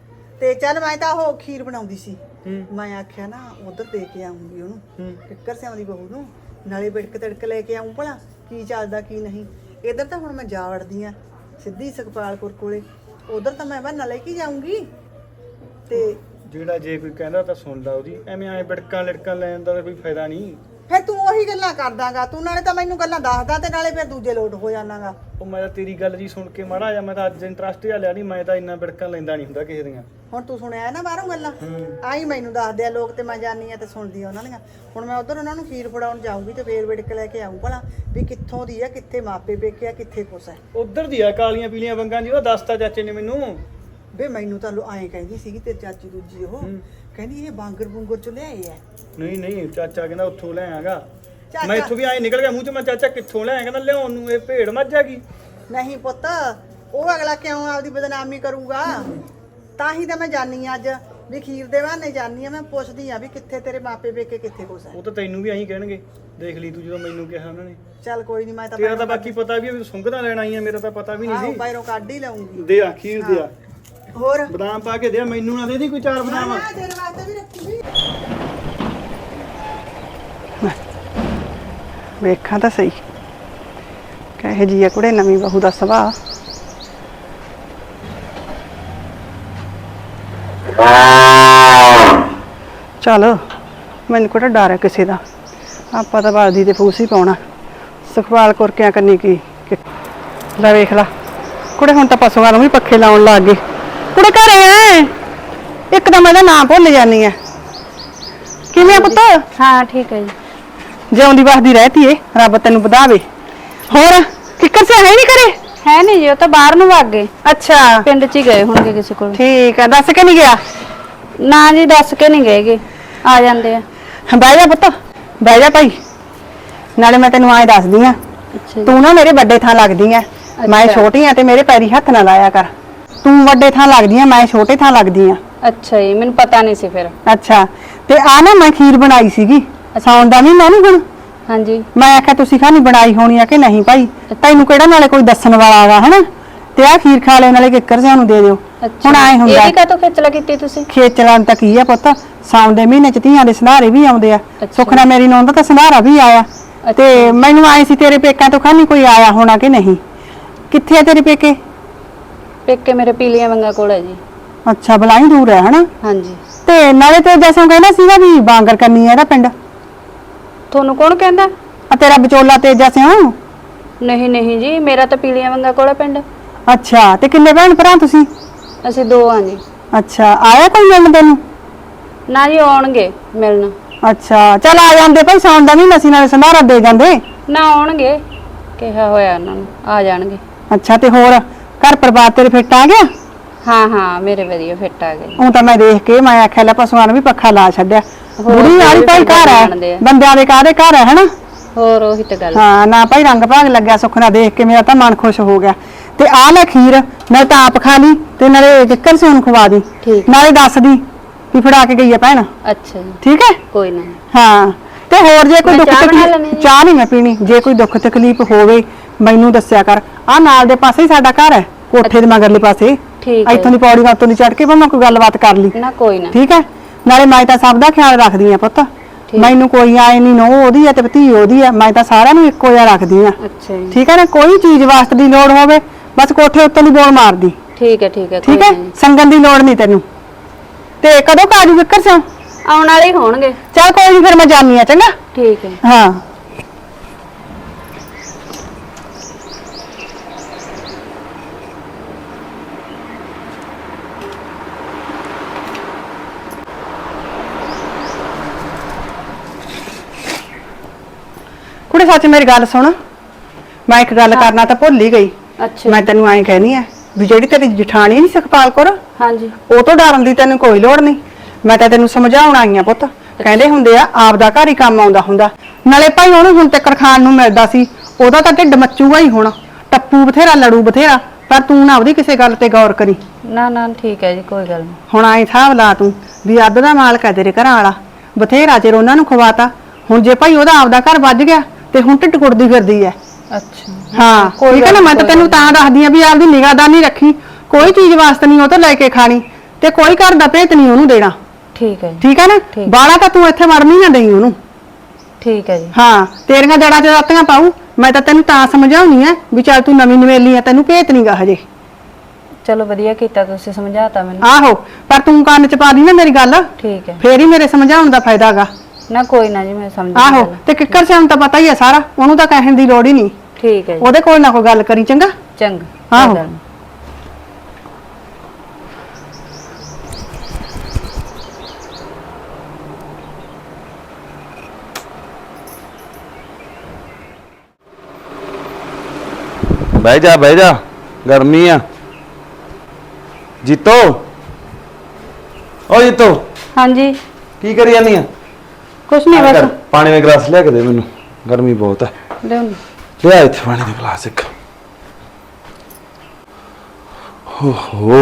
Speaker 4: ਤੇ ਚੱਲ ਮੈਂ ਤਾਂ ਉਹ ਖੀਰ ਬਣਾਉਂਦੀ ਸੀ, ਮੈਂ ਆਖਿਆ ਨਾ ਉਧਰ ਦੇ ਕੇ ਆਉਂਗੀ ਉਹਨੂੰ, ਕਿੱਕਰ ਸਿਆਂ ਦੀ ਬਹੂ ਨੂੰ, ਨਾਲੇ ਬਿੜਕ ਤੜਕ ਲੈ ਕੇ ਆਉਂ ਭਲਾ ਕੀ ਚੱਲਦਾ ਕੀ ਨਹੀਂ। ਇੱਧਰ ਤਾਂ ਹੁਣ ਮੈਂ ਜਾ ਵੜਦੀ ਆ ਸਿੱਧੀ ਸੁਖਪਾਲਪੁਰ ਕੋਲੇ, ਉਧਰ ਤਾਂ ਮੈਂ ਬਹਾਨਾ ਲੈ ਕੇ ਜਾਊਂਗੀ। ਤੇ
Speaker 3: ਜਿਹੜਾ ਜੇ ਕੋਈ ਕਹਿੰਦਾ ਤਾਂ ਸੁਣ ਲਾ ਉਹਦੀ, ਐਵੇਂ ਐ ਬਿੜਕਾਂ ਲੜਕਾਂ ਲੈਣ ਦਾ ਕੋਈ ਫਾਇਦਾ ਨਹੀਂ।
Speaker 4: ਫਿਰ ਤੂੰ ਉਹੀ ਗੱਲਾਂ ਕਰਦਾਗਾ, ਤੂੰ ਨਾਲੇ ਤਾਂ ਮੈਨੂੰ ਗੱਲਾਂ ਦੱਸਦਾ ਤੇ ਨਾਲੇ ਫਿਰ ਦੂਜੇ ਲੋਟ ਹੋ ਜਾਣਾਗਾ।
Speaker 3: ਉਹ ਮੈਂ ਤਾਂ ਤੇਰੀ ਗੱਲ ਜੀ ਸੁਣ ਕੇ ਮਾੜਾ ਜਾ, ਮੈਂ ਤਾਂ ਅੱਜ ਇੰਟਰਸਟ ਜਿਹਾ ਲਿਆ ਨਹੀਂ, ਮੈਂ ਤਾਂ ਇੰਨਾ ਬਿੜਕਣ ਲੈਂਦਾ ਨਹੀਂ ਹੁੰਦਾ ਕਿਸੇ ਦੀਆਂ।
Speaker 4: ਹੁਣ ਤੂੰ ਸੁਣਿਆ ਨਾ ਬਾਹਰੋਂ ਗੱਲਾਂ, ਆਈ ਮੈਨੂੰ ਦੱਸਦੇ ਆ ਲੋਕ ਤੇ ਮੈਂ ਜਾਣੀ ਆ ਤੇ ਸੁਣਦੀ ਆ ਉਹਨਾਂ ਦੀਆਂ। ਹੁਣ ਮੈਂ ਉਧਰ ਉਹਨਾਂ ਨੂੰ ਖੀਰ ਫੜਾਉਣ ਜਾਊਂਗੀ ਤੇ ਫੇਰ ਵਿੜਕ ਲੈ ਕੇ ਆਊਂ ਭਲਾ ਵੀ ਕਿੱਥੋਂ ਦੀ ਆ, ਕਿੱਥੇ ਮਾਪੇ ਪੇਕੇ ਆ, ਕਿੱਥੇ ਕੁਛ ਹੈ।
Speaker 3: ਉਧਰ ਦੀ ਆ ਕਾਲੀਆਂ ਪੀਲੀਆਂ ਵੰਗਾਂ ਦੀ, ਉਹ ਦੱਸਤਾ ਚਾਚੇ ਨੇ ਮੈਨੂੰ।
Speaker 4: ਵੇ ਮੈਨੂੰ ਤਾਂ ਐਂ ਕਹਿੰਦੀ ਸੀਗੀ ਤੇਰੀ ਚਾਚੀ ਦੂਜੀ, ਉਹ ਕਹਿੰਦੀ ਇਹ ਬਾਂਗਰ ਬੁੰਗਰ ਚ ਲਿਆਏ ਆ।
Speaker 3: ਨਹੀਂ ਨਹੀਂ, ਚਾਚਾ ਕਹਿੰਦਾ ਉੱਥੋਂ ਲੈ ਆਗਾ।
Speaker 4: ਚਾਚਾ-
Speaker 3: ਮੈਂ ਇੱਥੋਂ ਵੀ ਐਂ ਨਿਕਲ ਗਿਆ ਮੂੰਹ ਚ, ਮੈਂ ਚਾਚਾ ਕਿੱਥੋਂ ਲੈ ਆਇਆ? ਕਹਿੰਦਾ ਲਿਆਉਣ ਨੂੰ ਇਹ ਭੇਡ ਮੱਝ ਹੈਗੀ।
Speaker 4: ਨਹੀਂ ਪੁੱਤ, ਉਹ ਅਗਲਾ ਕਿਉਂ ਆਪਦੀ ਬਦਨਾਮੀ ਕਰੂਗਾ? ਤਾਂ ਹੀ ਤਾਂ ਮੈਂ ਜਾਣੀ ਆ ਅੱਜ ਵੀ ਖੀਰ ਦੇ ਬਹਾਨੇ ਜਾਣੀ ਆ। ਮੈਂ ਪੁੱਛਦੀ ਆ ਵੀ ਕਿੱਥੇ ਤੇਰੇ ਮਾਪੇ ਪੇਕੇ, ਕਿੱਥੇ ਕੁਛ ਹੈ।
Speaker 3: ਉਹ ਤਾਂ ਤੈਨੂੰ ਵੀ ਐਂ ਕਹਿਣਗੇ, ਦੇਖ ਲਈ ਤੂੰ ਜਦੋਂ ਮੈਨੂੰ ਕਿਹਾ ਉਹਨਾਂ ਨੇ।
Speaker 4: ਚੱਲ ਕੋਈ ਨਹੀਂ, ਮੈਂ ਤਾਂ
Speaker 3: ਤੇਰਾ ਤਾਂ ਬਾਕੀ ਪਤਾ ਵੀ ਸੁੰਘਦਾ ਲੈਣ ਆਈ ਆ, ਮੇਰਾ ਤਾਂ ਪਤਾ ਵੀ ਨਹੀਂ
Speaker 4: ਆਹੋ
Speaker 3: ਸੀ।
Speaker 4: ਬਾਹਰੋਂ ਕੱਢ ਹੀ ਲਊਂਗੀ।
Speaker 3: ਦੇ ਆ ਖੀਰ ਦੇ ਆ,
Speaker 4: ਹੋਰ
Speaker 3: ਬਦਾਮ ਪਾ ਕੇ ਦੇ ਆ, ਮੈਨੂੰ ਨਾ ਦੇ ਦੀ ਕੋਈ 4 ਬਦਾਮ।
Speaker 4: ਮੈਂ ਤੇਰੇ ਵਾਸਤੇ ਵੀ ਰੱਖੂਗੀ। ਵੇਖਾਂ ਤਾਂ ਸਹੀ ਕਹੇ ਜੀ ਆ ਕੁੜੇ ਨਵੀਂ ਬਹੂ ਦਾ ਸੁਭਾਅ। ਚਲ ਮੈਨੂੰ ਕਿਹੜਾ ਡਰ ਹੈ ਕਿਸੇ ਦਾ, ਆਪਾਂ ਤਾਂ ਬਾਦੀ ਤੇ ਫੂਸ ਹੀ ਪਾਉਣਾ। ਸੁਖਵਾਲ ਕੁਰਕਿਆਂ ਕਰਨੀ ਕੀ ਲੈ ਵੇਖ ਲਾ ਕੁੜੇ, ਹੁਣ ਤਾਂ ਪਸ਼ੂਆਂ ਨੂੰ ਵੀ ਪੱਖੇ ਲਾਉਣ ਲੱਗ ਗਏ। ਕੁੜੇ ਘਰੇ ਐ, ਇੱਕਦਮ ਇਹਦਾ ਨਾਂ ਭੁੱਲ ਜਾਨੀ ਐ। ਕਿਵੇਂ ਆ ਪੁੱਤ?
Speaker 2: ਹਾਂ ਠੀਕ ਹੈ ਜੀ।
Speaker 4: ਜਿਉਂਦੀ ਵਸਦੀ ਰਹਤੀ ਏ, ਰੱਬ ਤੈਨੂੰ ਵਧਾਵੇ। ਹੋਰ ਕਿੱਕਰ ਸੇ ਹੈ ਨਹੀਂ ਘਰੇ?
Speaker 2: ਹੈ ਨਹੀਂ ਜੀ, ਉਹ ਤਾਂ ਬਾਹਰ ਨੂੰ ਵਗ ਗਏ,
Speaker 4: ਅੱਛਾ
Speaker 2: ਪਿੰਡ 'ਚ ਹੀ ਗਏ ਹੋਣਗੇ ਕਿਸੇ ਕੋਲ।
Speaker 4: ਠੀਕ ਹੈ, ਦੱਸ ਕੇ ਨਹੀਂ ਗਿਆ?
Speaker 2: ਨਾ ਜੀ ਦੱਸ ਕੇ ਨਹੀਂ ਗਏਗੇ, ਆ ਜਾਂਦੇ ਆ।
Speaker 4: ਬਹਿ ਜਾ ਪੁੱਤ, ਬਹਿ ਜਾ ਭਾਈ। ਨਾਲੇ ਮੈਂ ਤੈਨੂੰ ਆਏ ਦੱਸਦੀ ਆ,
Speaker 2: ਅੱਛਾ ਜੀ।
Speaker 4: ਤੂੰ ਨਾ ਮੇਰੇ ਵੱਡੇ ਥਾਂ ਲੱਗਦੀ ਐ। ਮੈਂ ਛੋਟੀ ਆ ਤੇ ਮੇਰੇ ਪੈਰੀ ਹੱਥ ਨਾ ਲਾਇਆ ਕਰ। ਤੂੰ ਵੱਡੇ ਥਾਂ ਲੱਗਦੀ ਆ, ਮੈਂ ਛੋਟੇ ਥਾਂ ਲੱਗਦੀ ਆ।
Speaker 2: ਅੱਛਾ ਜੀ, ਮੈਨੂੰ ਪਤਾ ਨਹੀਂ ਸੀ ਫਿਰ।
Speaker 4: ਅੱਛਾ, ਤੇ ਆ ਨਾ ਮੈਂ ਖੀਰ ਬਣਾਈ ਸੀਗੀ, ਸਾਉਣ ਦਾ ਮਹੀਨਾ ਨੀ ਹੁਣ।
Speaker 2: ਹਾਂਜੀ।
Speaker 4: ਮੈਂ ਆਖਿਆ ਤੁਸੀਂ ਖਾਣੀ ਬਣਾਈ ਹੋਣੀ ਆ ਕਿ ਨਹੀਂ ਭਾਈ, ਤੈਨੂੰ ਕਿਹੜਾ ਨਾਲੇ ਕੋਈ ਦੱਸਣ ਵਾਲਾ ਆਗਾ ਹਨਾ, ਤੇ ਆ ਖੀਰ ਖਾ ਲੈ ਨਾਲੇ ਕਿੱਕਰ ਸਿਆਂ ਨੂੰ ਦੇ ਦਿਓ। ਹੁਣ ਆਏ ਹੁੰਦਾ
Speaker 2: ਇਹਦੀ ਕਾਹਤੋਂ ਖੇਚਲਾ ਕੀਤੀ ਤੁਸੀਂ?
Speaker 4: ਖੇਚਲਾਂ ਤਾਂ ਕੀ ਆ ਪੁੱਤ, ਸਾਉਣ ਦੇ ਮਹੀਨੇ ਚ ਧੀਆਂ ਦੇ ਸੰਧਾਰੇ ਵੀ ਆਉਂਦੇ ਆ। ਸੁਖਨਾ ਮੇਰੀ ਨੌਂ ਦਾ ਤਾਂ ਸੰਧਾਰਾ ਵੀ ਆਇਆ, ਤੇ ਮੈਨੂੰ ਆਏ ਸੀ ਤੇਰੇ ਪੇਕਾਂ ਤੋਂ ਖਾਣੀ ਕੋਈ ਆਇਆ ਹੋਣਾ ਕਿ ਨਹੀਂ। ਕਿੱਥੇ ਆ ਤੇਰੇ ਪੇਕੇ?
Speaker 2: ਪੇਕੇ ਮੇਰੇ ਪੀਲੀਆਂ ਵੰਗਾ ਕੋਲ ਹੈ ਜੀ।
Speaker 4: ਅੱਛਾ, ਬਲਾਈ ਦੂਰ ਹੈ ਹਨਾ।
Speaker 2: ਹਾਂਜੀ।
Speaker 4: ਤੇ ਨਾਲੇ ਤੇ ਜੈਸੋਂ ਕਹਿੰਦਾ ਸੀਗਾ ਵੀ ਬਾਂਗਰ ਕਰਨੀ ਹੈ ਇਹਦਾ ਪਿੰਡ।
Speaker 2: ਤੁਹਾਨੂੰ ਕੌਣ ਕਹਿੰਦਾ?
Speaker 4: ਆ ਤੇਰਾ ਵਿਚੋਲਾ ਤੇਜਾ ਸਿਓ?
Speaker 2: ਨਹੀਂ ਨਹੀਂ ਜੀ, ਮੇਰਾ ਤਾਂ ਪੀਲੀਆਂ ਵੰਗਾ ਕੋਲ ਹੈ ਪਿੰਡ।
Speaker 4: ਅੱਛਾ, ਤੇ ਕਿੰਨੇ ਭੈਣ ਭਰਾ ਤੁਸੀਂ?
Speaker 2: ਅਸੀਂ 2 ਹਾਂ ਜੀ।
Speaker 4: ਅੱਛਾ, ਆਇਆ ਕੋਈ ਮਿਲਣ ਤੈਨੂੰ?
Speaker 2: ਨਾ ਜੀ, ਆਉਣਗੇ ਮਿਲਣ।
Speaker 4: ਅੱਛਾ, ਚੱਲ ਆ ਜਾਂਦੇ ਭਾਈ, ਸਾਉਣ ਦਾ ਮਹੀਨਾ ਸੀ ਨਾਲੇ ਸੰਧਾਰਾ ਦੇ ਜਾਂਦੇ।
Speaker 2: ਨਾ ਆਉਣਗੇ, ਕਿਹਾ ਹੋਇਆ ਉਹਨਾਂ ਨੂੰ, ਆ ਜਾਣਗੇ।
Speaker 4: ਅੱਛਾ, ਤੇ ਹੋਰ ਘਰ ਪਰਿਵਾਰ ਤੇਰੇ ਫਿੱਟ ਆ ਗਿਆ?
Speaker 2: ਹਾਂ ਹਾਂ, ਮੇਰੇ ਵਧੀਆ ਫਿੱਟ ਆ ਗਏ।
Speaker 4: ਉਹ ਤਾਂ ਮੈਂ ਦੇਖ ਕੇ ਮੈਂ ਆਖਿਆ ਲੈ ਪਸ਼ੂਆਂ ਨੂੰ ਵੀ ਪੱਖਾ ਲਾ ਛੱਡਿਆ। ਬੁੜੀ ਵਾਲੀ ਭਾਈ ਘਰ ਹੈ, ਬੰਦਿਆਂ ਦੇ ਕਾਹਦੇ ਘਰ ਹੈ ਹਨਾ।
Speaker 2: ਹੋਰ ਉਹੀ ਤਾਂ ਗੱਲ।
Speaker 4: ਹਾਂ ਨਾ ਭਾਈ, ਰੰਗ ਭਾਗ ਲੱਗਿਆ ਸੁਖਨਾ ਦੇਖ ਕੇ, ਮੇਰਾ ਤਾਂ ਮਨ ਖੁਸ਼ ਹੋ ਗਿਆ। ਤੇ ਆ ਲੈ ਖੀਰ, ਮੈਂ ਤਾਂ ਆਪ ਖਾ ਲਈ ਤੇ ਨਾਲੇ ਕਿੱਕਰ ਸਿਉਂ ਨੂੰ ਖਵਾ ਦੀ, ਨਾਲੇ ਦੱਸ ਦੀ ਵੀ ਫੜਾ ਕੇ ਗਈ ਆ ਭੈਣ।
Speaker 2: ਅੱਛਾ ਜੀ,
Speaker 4: ਠੀਕ ਹੈ,
Speaker 2: ਕੋਈ ਨਾ।
Speaker 4: ਹਾਂ ਤੇ ਹੋਰ ਜੇ ਕੋਈ ਦੁੱਖ ਤਕਲੀਫ, ਚਾਹ ਨਹੀਂ ਮੈਂ ਪੀਣੀ, ਜੇ ਕੋਈ ਦੁੱਖ ਤਕਲੀਫ ਹੋਵੇ ਮੈਨੂੰ ਦੱਸਿਆ ਕਰ। ਆ ਨਾਲ ਦੇ ਪਾਸੇ ਹੀ ਸਾਡਾ ਘਰ ਹੈ, ਕੋਠੇ ਦੇ ਮਗਰਲੇ ਪਾਸੇ।
Speaker 2: ਠੀਕ ਹੈ,
Speaker 4: ਇੱਥੋਂ ਦੀ ਪੌੜੀ ਉੱਤੋਂ ਦੀ ਚੜ ਕੇ ਭਾਵੇਂ ਕੋਈ ਗੱਲਬਾਤ ਕਰ ਲਈ
Speaker 2: ਨਾ ਕੋਈ ਨਾ।
Speaker 4: ਠੀਕ ਹੈ, ਨਾਲੇ ਮੈਂ ਤਾਂ ਸਭ ਦਾ ਖਿਆਲ ਰੱਖਦੀ ਆ ਪੁੱਤ, ਮੈਨੂੰ ਕੋਈ ਆਏ ਨਹੀਂ, ਨੋ ਉਹਦੀ ਆ ਤੇ ਭਤੀ ਉਹਦੀ ਆ, ਮੈਂ ਤਾਂ ਸਾਰਿਆਂ ਨੂੰ ਇੱਕੋ ਜਿਹਾ ਰੱਖਦੀ ਆ।
Speaker 2: ਅੱਛਾ ਜੀ,
Speaker 4: ਠੀਕ ਹੈ ਨਾ, ਕੋਈ ਚੀਜ਼ ਵਾਸਤੇ ਦੀ ਲੋੜ ਹੋਵੇ ਬਸ ਕੋਠੇ ਉੱਤੋਂ ਦੀ ਬੋਲ ਮਾਰਦੀ।
Speaker 2: ਠੀਕ ਹੈ ਠੀਕ ਹੈ।
Speaker 4: ਠੀਕ ਹੈ, ਸੰਗਨ ਦੀ ਲੋੜ ਨਹੀਂ ਤੈਨੂੰ। ਤੇ ਕਦੋਂ ਕਾਜੂ ਵਿਕਰ ਸਿਓ?
Speaker 2: ਆਉਣ ਵਾਲੇ ਹੀ ਹੋਣਗੇ।
Speaker 4: ਚੱਲ ਕੋਈ ਨਹੀਂ, ਫਿਰ ਮੈਂ ਜਾਣੀ ਆ, ਚੰਗਾ।
Speaker 2: ਠੀਕ ਹੈ।
Speaker 4: ਹਾਂ ਕੁੜੇ, ਸੱਚ ਮੇਰੀ ਗੱਲ ਸੁਣ, ਮੈਂ ਇੱਕ ਗੱਲ ਕਰਨਾ ਤਾਂ ਭੁੱਲ ਹੀ ਗਈ।
Speaker 2: ਅੱਛਾ,
Speaker 4: ਮੈਂ ਤੈਨੂੰ ਐਂ ਕਹਿਨੀ ਆ ਵੀ ਜਿਹੜੀ ਤੇਰੀ ਜਠਾਣੀ ਨਹੀਂ ਸੁਖਪਾਲ ਕੌਰ,
Speaker 2: ਹਾਂਜੀ,
Speaker 4: ਉਹ ਤੋਂ ਡਰਨ ਦੀ ਤੈਨੂੰ ਕੋਈ ਲੋੜ ਨਹੀਂ। ਮੈਂ ਤਾਂ ਤੈਨੂੰ ਸਮਝਾਉਣ ਆਈ ਆ ਪੁੱਤ, ਕਹਿੰਦੇ ਹੁੰਦੇ ਆ ਆਪਦਾ ਘਰ ਹੀ ਕੰਮ ਆਉਂਦਾ ਹੁੰਦਾ। ਨਾਲੇ ਭਾਈ ਉਹਨੂੰ ਹੁਣ ਤੱਕ ਖਾਣ ਨੂੰ ਮਿਲਦਾ ਸੀ, ਉਹਦਾ ਤਾਂ ਢਿੱਡ ਮੱਚੂਗਾ ਹੀ ਹੁਣ। ਟੱਪੂ ਬਥੇਰਾ, ਲੜੂ ਬਥੇਰਾ, ਪਰ ਤੂੰ ਨਾ ਉਹਦੀ ਕਿਸੇ ਗੱਲ ਤੇ ਗੌਰ ਕਰੀ।
Speaker 2: ਨਾ ਨਾ ਠੀਕ ਹੈ ਜੀ, ਕੋਈ ਗੱਲ ਨਹੀਂ।
Speaker 4: ਹੁਣ ਆਏ ਹਿਸਾਬ ਲਾ ਤੂੰ ਵੀ ਅੱਧ ਦਾ ਮਾਲਕ ਹੈ ਤੇਰੇ ਘਰਾਂ ਵਾਲਾ, ਬਥੇਰਾ ਚਿਰ ਉਹਨਾਂ ਨੂੰ ਖਵਾਤਾ। ਹੁਣ ਜੇ ਭਾਈ ਉਹਦਾ ਆਪਦਾ ਘਰ ਵੱਜ ਗਿਆ ਤੇ ਹੁਣ ਢਿੱਡ ਕੁੜਦੀ ਫਿਰਦੀ ਐ।
Speaker 2: ਅੱਛਾ,
Speaker 4: ਹਾਂ ਠੀਕ ਹੈ ਨਾ, ਮੈਂ ਤਾਂ ਤੈਨੂੰ ਤਾਂ ਦੱਸਦੀ ਆ ਵੀ ਆਪਦੀ ਨਿਗਾਹਦਾਨੀ ਰੱਖੀ, ਕੋਈ ਚੀਜ਼ ਵਾਸਤੇ ਨਹੀਂ ਉਹ ਤੋਂ ਲੈ ਕੇ ਖਾਣੀ, ਤੇ ਕੋਈ ਘਰ ਦਾ ਭੇਤ ਨਹੀਂ ਉਹਨੂੰ ਦੇਣਾ।
Speaker 2: ਠੀਕ ਹੈ ਜੀ,
Speaker 4: ਠੀਕ ਹੈ ਨਾ, ਬਾਲਾ ਤਾਂ ਤੂੰ ਇੱਥੇ ਮਰਨੀ ਨਾ ਦੇਈ ਉਹਨੂੰ।
Speaker 2: ਠੀਕ ਹੈ ਜੀ।
Speaker 4: ਹਾਂ, ਤੇਰੀਆਂ ਜੜਾਂ 'ਚ ਰਾਤੀਆਂ ਪਾਉ। ਮੈਂ ਤਾਂ ਤੈਨੂੰ ਤਾਂ ਸਮਝਾਉਣੀ ਆ ਵੀ ਚੱਲ ਤੂੰ ਨਵੀਂ ਨਵੇਲੀ ਆ, ਤੈਨੂੰ ਭੇਤ ਨਹੀਂਗਾ ਹਜੇ।
Speaker 2: ਚਲੋ ਵਧੀਆ ਕੀਤਾ ਤੁਸੀਂ, ਸਮਝਾਤਾ ਮੈਨੂੰ।
Speaker 4: ਆਹੋ, ਪਰ ਤੂੰ ਕੰਨ 'ਚ ਪਾ ਦੀ ਨਾ ਮੇਰੀ ਗੱਲ,
Speaker 2: ਠੀਕ ਹੈ,
Speaker 4: ਫੇਰ ਹੀ ਮੇਰੇ ਸਮਝਾਉਣ ਦਾ ਫਾਇਦਾ ਹੈਗਾ।
Speaker 2: ਨਾ ਕੋਈ ਨਾ ਜੀ, ਮੈਂ ਸਮਝ ਗਈ
Speaker 5: ਆਹੋ
Speaker 2: ਗੱਲ।
Speaker 5: ਤੇ ਕਿੱਕਰ ਸਿਆਂ ਤਾਂ ਪਤਾ ਹੀ ਆ ਸਾਰਾ, ਉਹਨੂੰ ਤਾਂ ਕਹਿਣ ਦੀ ਲੋੜ ਹੀ ਨਹੀਂ।
Speaker 2: ਠੀਕ ਹੈ ਜੀ,
Speaker 5: ਉਹਦੇ ਕੋਲ ਨਾ ਕੋਈ ਗੱਲ ਕਰੀ, ਚੰਗਾ।
Speaker 2: ਚੰਗਾ।
Speaker 5: ਆਹੋ।
Speaker 2: ਕੋਈ ਗੱਲ ਨੀ।
Speaker 1: ਬਹਿ ਜਾ ਗਰਮੀ ਆ। ਜੀਤੋ, ਓ ਜੀਤੋ,
Speaker 2: ਹਾਂਜੀ,
Speaker 1: ਕੀ ਕਰੀ ਜਾਨੀ ਆ?
Speaker 2: ਕੁਛ ਨਹੀਂ ਬਸ
Speaker 1: ਪਾਣੀ ਦਾ ਗਲਾਸ ਲਿਆ ਕੇ ਦੇ ਮੈਨੂੰ, ਗਰਮੀ ਬਹੁਤ ਹੈ।
Speaker 2: ਲਿਆਉਣੀ।
Speaker 1: ਲਿਆ ਇੱਥੇ ਪਾਣੀ ਦਾ ਗਲਾਸ ਇੱਕ। ਹੋ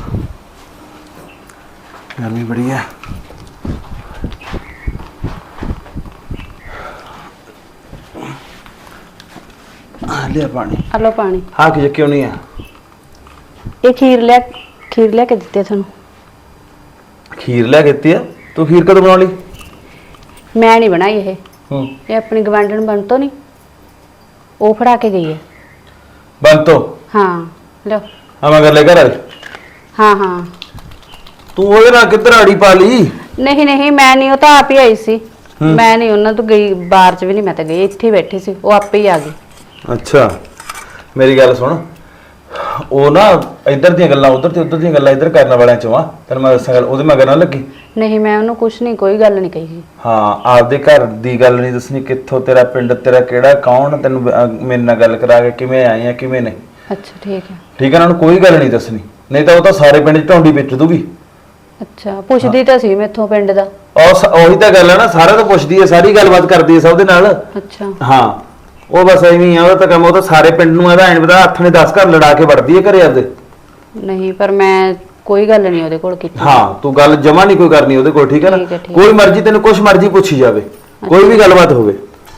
Speaker 1: ਗਰਮੀ ਬੜੀ ਹੈ। ਲਿਆ ਪਾਣੀ।
Speaker 2: ਆ ਲਓ ਪਾਣੀ।
Speaker 1: ਹਾਂ ਕਿ ਕਿਉਂ ਨਹੀਂ ਆ?
Speaker 2: ਇਹ ਖੀਰ ਲਿਆ ਕੇ ਦਿੱਤੀ ਆ ਤੁਹਾਨੂੰ।
Speaker 1: ਖੀਰ ਲਿਆ ਕੇ ਦਿੱਤੀ ਆ? ਤੂੰ ਖੀਰ ਕਦੋਂ ਬਣਾ ਲਈ?
Speaker 2: ਮੈਂ ਨਹੀਂ ਬਣਾਈ ਇਹ
Speaker 1: ਹੂੰ
Speaker 2: ਆਪਣੀ ਗਵਾਂਢਣ ਬੰਤੋ ਨਹੀਂ, ਉਹ ਫੜਾ ਕੇ ਗਈ ਹੈ।
Speaker 1: ਬੰਤੋ?
Speaker 2: ਹਾਂ ਲਓ।
Speaker 1: ਆ ਮੈਂ ਕਰ ਲੈ ਘਰ ਵਾਲੀ।
Speaker 2: ਹਾਂ
Speaker 1: ਤੂੰ ਉਹਦੇ ਨਾਲ ਕਿੱਧਰ ਆੜੀ ਪਾ ਲਈ?
Speaker 2: ਨਹੀਂ ਮੈਂ ਨਹੀਂ, ਉਹ ਤਾਂ ਆਪ ਹੀ ਆਈ ਸੀ। ਮੈਂ ਨਹੀਂ ਉਹਨਾਂ ਤੋਂ ਗਈ, ਬਾਹਰ ਚ ਵੀ ਨਹੀਂ, ਮੈਂ ਤਾਂ ਗਈ, ਇੱਥੇ ਹੀ ਬੈਠੀ ਸੀ, ਉਹ ਆਪੇ ਹੀ ਆ ਗਈ।
Speaker 1: ਅੱਛਾ ਮੇਰੀ ਗੱਲ ਸੁਣ, ਉਹ ਨਾ ਇੱਧਰ ਦੀਆਂ ਗੱਲਾਂ ਉੱਧਰ ਤੇ ਉੱਧਰ ਦੀਆਂ ਗੱਲਾਂ ਇੱਧਰ ਕਰਨ ਵਾਲਿਆਂ ਚੋਂ ਆ। ਤੈਨੂੰ ਮੈਂ ਦੱਸਾਂ ਗੱਲ, ਉਹਦੇ ਮਗਰ ਨਾ ਲੱਗੀ।
Speaker 2: ਨਹੀਂ ਮੈਂ ਉਹਨੂੰ ਕੁਛ ਨਹੀਂ, ਕੋਈ ਗੱਲ ਨਹੀਂ ਕਹੀ।
Speaker 1: ਹਾਂ ਆਪਦੇ ਘਰ ਦੀ ਗੱਲ ਨਹੀਂ ਦੱਸਣੀ, ਕਿੱਥੋਂ ਤੇਰਾ ਪਿੰਡ, ਤੇਰਾ ਕਿਹੜਾ, ਕੌਣ, ਤੈਨੂੰ ਮੇਰੇ ਨਾਲ ਗੱਲ ਕਰਾ ਕੇ ਕਿਵੇਂ ਆਏ ਆ ਕਿਵੇਂ ਨਹੀਂ।
Speaker 2: ਅੱਛਾ ਠੀਕ ਹੈ।
Speaker 1: ਠੀਕ ਹੈ ਨਾ, ਉਹਨੂੰ ਕੋਈ ਗੱਲ ਨਹੀਂ ਦੱਸਣੀ, ਨਹੀਂ ਤਾਂ ਉਹ ਤਾਂ ਸਾਰੇ ਪਿੰਡ 'ਚ ਢੌਂਡੀ ਵਿੱਚ ਦੂਗੀ।
Speaker 2: ਅੱਛਾ ਪੁੱਛਦੀ ਤਾਂ ਸੀ ਮੈਥੋਂ ਪਿੰਡ ਦਾ।
Speaker 1: ਉਹੀ ਤਾਂ ਗੱਲ ਹੈ ਨਾ, ਸਾਰਾ ਤਾਂ ਪੁੱਛਦੀ ਹੈ, ਸਾਰੀ ਗੱਲਬਾਤ ਕਰਦੀ ਹੈ ਸਭ ਦੇ ਨਾਲ।
Speaker 2: ਅੱਛਾ
Speaker 1: ਹਾਂ ਉਹ ਬਸ ਐਵੇਂ ਹੀ ਆ, ਉਹਦਾ ਤਾਂ ਕੰਮ, ਉਹ ਤਾਂ ਸਾਰੇ ਪਿੰਡ ਨੂੰ ਇਹਦਾ ਐਂ ਪਤਾ, ਹੱਥ ਨੇ 10 ਘਰ ਲੜਾ ਕੇ ਵੜਦੀ ਹੈ ਘਰੇ ਆਪਦੇ।
Speaker 2: ਨਹੀਂ ਪਰ ਮੈਂ ਕੋਈ ਗੱਲ ਨਹੀਂ ਉਹਦੇ ਕੋਲ ਕੀਤੀ।
Speaker 1: ਹਾਂ ਤੂੰ ਗੱਲ ਜਮਾ ਨਹੀਂ ਕੋਈ ਕਰਨੀ ਉਹਦੇ ਕੋਲ, ਠੀਕ ਹੈ ਨਾ।
Speaker 2: ਠੀਕ ਹੈ, ਠੀਕ
Speaker 1: ਕੋਈ ਮਰਜ਼ੀ ਤੈਨੂੰ ਕੁਛ ਮਰਜ਼ੀ ਪੁੱਛੀ ਜਾਵੇ, ਕੋਈ ਵੀ ਗੱਲਬਾਤ ਹੋਵੇ।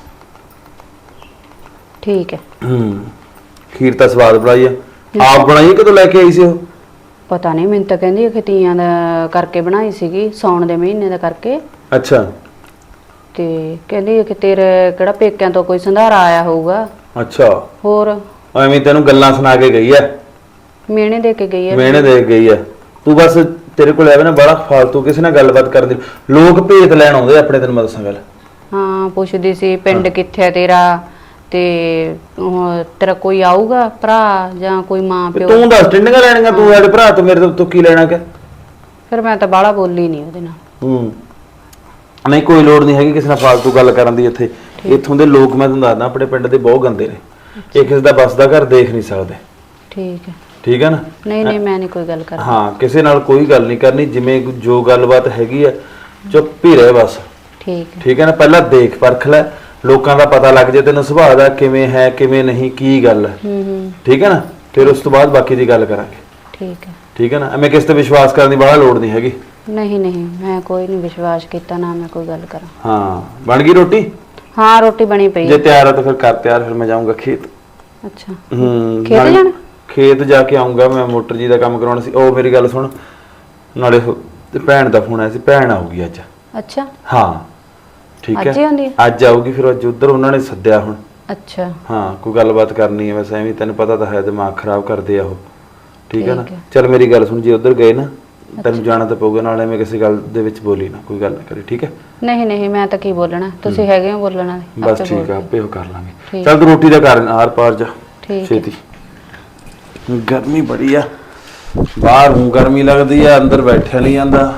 Speaker 2: ਠੀਕ ਹੈ।
Speaker 1: ਖੀਰ ਤਾਂ ਸਵਾਦ ਬਣਾਈ ਆ, ਆਪ ਬਣਾਈ ਕਦੋਂ ਲੈ ਕੇ ਆਈ ਸੀ ਉਹ?
Speaker 2: ਪਤਾ ਨਹੀਂ, ਮੈਨੂੰ ਤਾਂ ਕਹਿੰਦੀ ਹੈ ਕਿ ਤੀਆਂ ਦਾ ਕਰਕੇ ਬਣਾਈ ਸੀਗੀ, ਸਾਉਣ ਦੇ ਮਹੀਨੇ ਦਾ ਕਰਕੇ।
Speaker 1: ਅੱਛਾ
Speaker 2: ਤੇ ਕਹਿੰਦੀ ਕਿ ਤੇਰੇ ਕਿਹੜਾ ਪੇਕਿਆਂ ਤੋਂ ਕੋਈ ਸੰਧਾਰਾ ਆਇਆ ਹੋਊਗਾ।
Speaker 1: ਅੱਛਾ
Speaker 2: ਹੋਰ
Speaker 1: ਐਵੇਂ ਤੈਨੂੰ ਗੱਲਾਂ ਸੁਣਾ ਕੇ ਗਈ ਐ,
Speaker 2: ਮਿਹਣੇ ਦੇ ਕੇ ਗਈ ਹੈ।
Speaker 1: ਮਿਹਣੇ ਦੇ ਕੇ ਗਈ ਐ। ਤੂੰ ਬਸ ਤੇਰੇ ਕੋਲ ਐਵੇਂ ਨਾ ਬੜਾ ਫਾਲਤੂ ਕਿਸੇ ਨਾਲ ਗੱਲਬਾਤ ਕਰਨ ਦੀ, ਲੋਕ ਭੇਤ ਲੈਣ ਆਉਂਦੇ ਆਪਣੇ, ਤੈਨੂੰ ਮੈਂ ਦੱਸਾਂ ਗੱਲ।
Speaker 2: ਹਾਂ ਪੁੱਛਦੀ ਸੀ ਪਿੰਡ ਕਿੱਥੇ ਹੈ ਤੇਰਾ, ਤੇ ਉਹ ਤੇਰਾ ਕੋਈ ਆਊਗਾ ਭਰਾ ਜਾਂ ਕੋਈ ਮਾਂ ਪਿਓ।
Speaker 1: ਤੂੰ ਦੱਸ ਟਿੰਡੀਆਂ ਲੈਣੀਆਂ ਤੂੰ ਸਾਡੇ ਭਰਾ ਤੋਂ, ਮੇਰੇ ਤੋਂ ਕੀ ਲੈਣਾ? ਕਿ
Speaker 2: ਫਿਰ ਮੈਂ ਤਾਂ ਬਾਹਲਾ ਬੋਲੀ ਨਹੀਂ ਉਹਦੇ ਨਾਲ।
Speaker 1: ਨਹੀਂ ਕੋਈ ਲੋੜ ਨਹੀਂ ਹੈਗੀ ਕਿਸੇ ਨਾਲ ਫਾਲਤੂ ਗੱਲ ਕਰਨ ਦੀ। ਇੱਥੋਂ ਦੇ ਲੋਕ ਮੈਂ ਤੁਹਾਨੂੰ ਦੱਸਦਾ, ਆਪਣੇ ਪਿੰਡ ਦੇ ਬਹੁਤ ਗੰਦੇ ਨੇ, ਇਹ ਕਿਸੇ ਦਾ ਬਸਦਾ ਘਰ ਦੇਖ ਨਹੀਂ ਸਕਦੇ। ਠੀਕ ਹੈ ਨਾ।
Speaker 2: ਨਹੀਂ ਮੈਂ ਨਹੀਂ ਕੋਈ ਗੱਲ ਕਰਨੀ।
Speaker 1: ਹਾਂ ਕਿਸੇ ਨਾਲ ਕੋਈ ਗੱਲ ਨਹੀਂ ਕਰਨੀ, ਜਿਵੇਂ ਜੋ ਗੱਲਬਾਤ ਹੈਗੀ ਆ ਚੁੱਪ ਹੀ ਰਹੇ ਬਸ। ਠੀਕ ਹੈ ਨਾ। ਪਹਿਲਾਂ ਦੇਖ ਪਰਖ ਲੈ, ਲੋਕਾਂ ਦਾ ਪਤਾ ਲੱਗ ਜੇ ਤੈਨੂੰ ਸੁਭਾਅ ਦਾ ਕਿਵੇਂ ਹੈ ਕਿਵੇਂ ਨਹੀਂ, ਕੀ ਗੱਲ ਹੈ। ਠੀਕ ਹੈ ਨਾ, ਫਿਰ ਉਸ ਤੋਂ ਬਾਅਦ ਬਾਕੀ ਦੀ ਗੱਲ ਕਰਾਂਗੇ। ਠੀਕ ਹੈ ਨਾ। ਐਵੇਂ ਕਿਸੇ ਤੇ ਵਿਸ਼ਵਾਸ ਕਰਨ ਦੀ ਬੜਾ ਲੋੜ ਨਹੀਂ ਹੈਗੀ।
Speaker 2: ਨਹੀਂ ਮੈਂ ਕੋਈ ਨਹੀਂ ਵਿਸ਼ਵਾਸ ਕੀਤਾ, ਨਾ ਮੈਂ ਕੋਈ ਗੱਲ ਕਰਾਂ।
Speaker 1: ਹਾਂ ਬਣ ਗਈ ਰੋਟੀ?
Speaker 2: ਹਾਂ ਰੋਟੀ ਬਣੀ ਪਈ
Speaker 1: ਜੇ ਤਿਆਰ ਹੈ ਤਾਂ ਫਿਰ ਕਰ ਤਿਆਰ, ਫਿਰ ਮੈਂ ਜਾਊਂਗਾ ਖੇਤ।
Speaker 2: ਅੱਛਾ ਖੇਤ ਜਾਣਾ?
Speaker 1: ਖੇਤ ਜਾ ਕੇ ਆਉਂਗਾ ਮੈਂ, ਮੋਟਰ ਜੀ ਦਾ ਕੰਮ ਕਰਾਉਣਾ ਸੀ। ਉਹ ਮੇਰੀ ਗੱਲ ਸੁਣ, ਨਾਲੇ ਭੈਣ ਦਾ ਫੋਨ ਆਇਆ ਸੀ, ਭੈਣ ਆਊਗੀ ਅੱਜ।
Speaker 2: ਅੱਛਾ
Speaker 1: ਹਾਂ ਠੀਕ ਹੈ,
Speaker 2: ਅੱਜ ਹੀ ਆਉਂਦੀ ਹੈ?
Speaker 1: ਅੱਜ ਆਊਗੀ। ਫਿਰ ਅੱਜ ਉਧਰ ਉਹਨਾਂ ਨੇ ਸੱਦਿਆ ਹੁਣ।
Speaker 2: ਅੱਛਾ
Speaker 1: ਹਾਂ ਕੋਈ ਗੱਲਬਾਤ ਕਰਨੀ ਹੈ, ਵੈਸੇ ਐਵੇਂ ਤੈਨੂੰ ਪਤਾ ਤਾਂ ਹੈ, ਦਿਮਾਗ ਖਰਾਬ ਕਰਦੇ ਆ ਉਹ। ਠੀਕ ਹੈ ਨਾ।
Speaker 2: ਠੀਕ ਹੈ।
Speaker 1: ਚੱਲ ਮੇਰੀ ਗੱਲ ਸੁਣ, ਜੇ ਉਧਰ ਗਏ ਨਾ ਤੈਨੂੰ ਜਾਣਾ ਤਾਂ ਪਊਗਾ, ਨਾਲੇ ਮੈਂ ਕਿਸੇ ਗੱਲ ਦੇ ਵਿੱਚ ਬੋਲੀ ਨਾ, ਕੋਈ ਗੱਲ ਨਾ ਕਰੀ। ਠੀਕ ਹੈ।
Speaker 2: ਨਹੀਂ ਮੈਂ ਤਾਂ ਕੀ ਬੋਲਣਾ, ਤੁਸੀਂ ਹੈਗੇ ਹੋ ਬੋਲਣ ਵਾਲੇ।
Speaker 1: ਬਸ ਠੀਕ ਆ, ਆਪੇ ਉਹ ਕਰ ਲਾਂਗੇ।
Speaker 2: ਠੀਕ।
Speaker 1: ਚੱਲ ਤੂੰ ਰੋਟੀ ਦਾ ਕਰ, ਆਰ ਪਾਰ ਜਾ
Speaker 2: ਠੀਕ ਹੈ।
Speaker 1: ਛੇਤੀ। ਗਰਮੀ ਬੜੀ ਆ, ਬਾਹਰ ਨੂੰ ਗਰਮੀ ਲੱਗਦੀ ਆ, ਅੰਦਰ ਬੈਠਿਆ ਨਹੀਂ ਜਾਂਦਾ।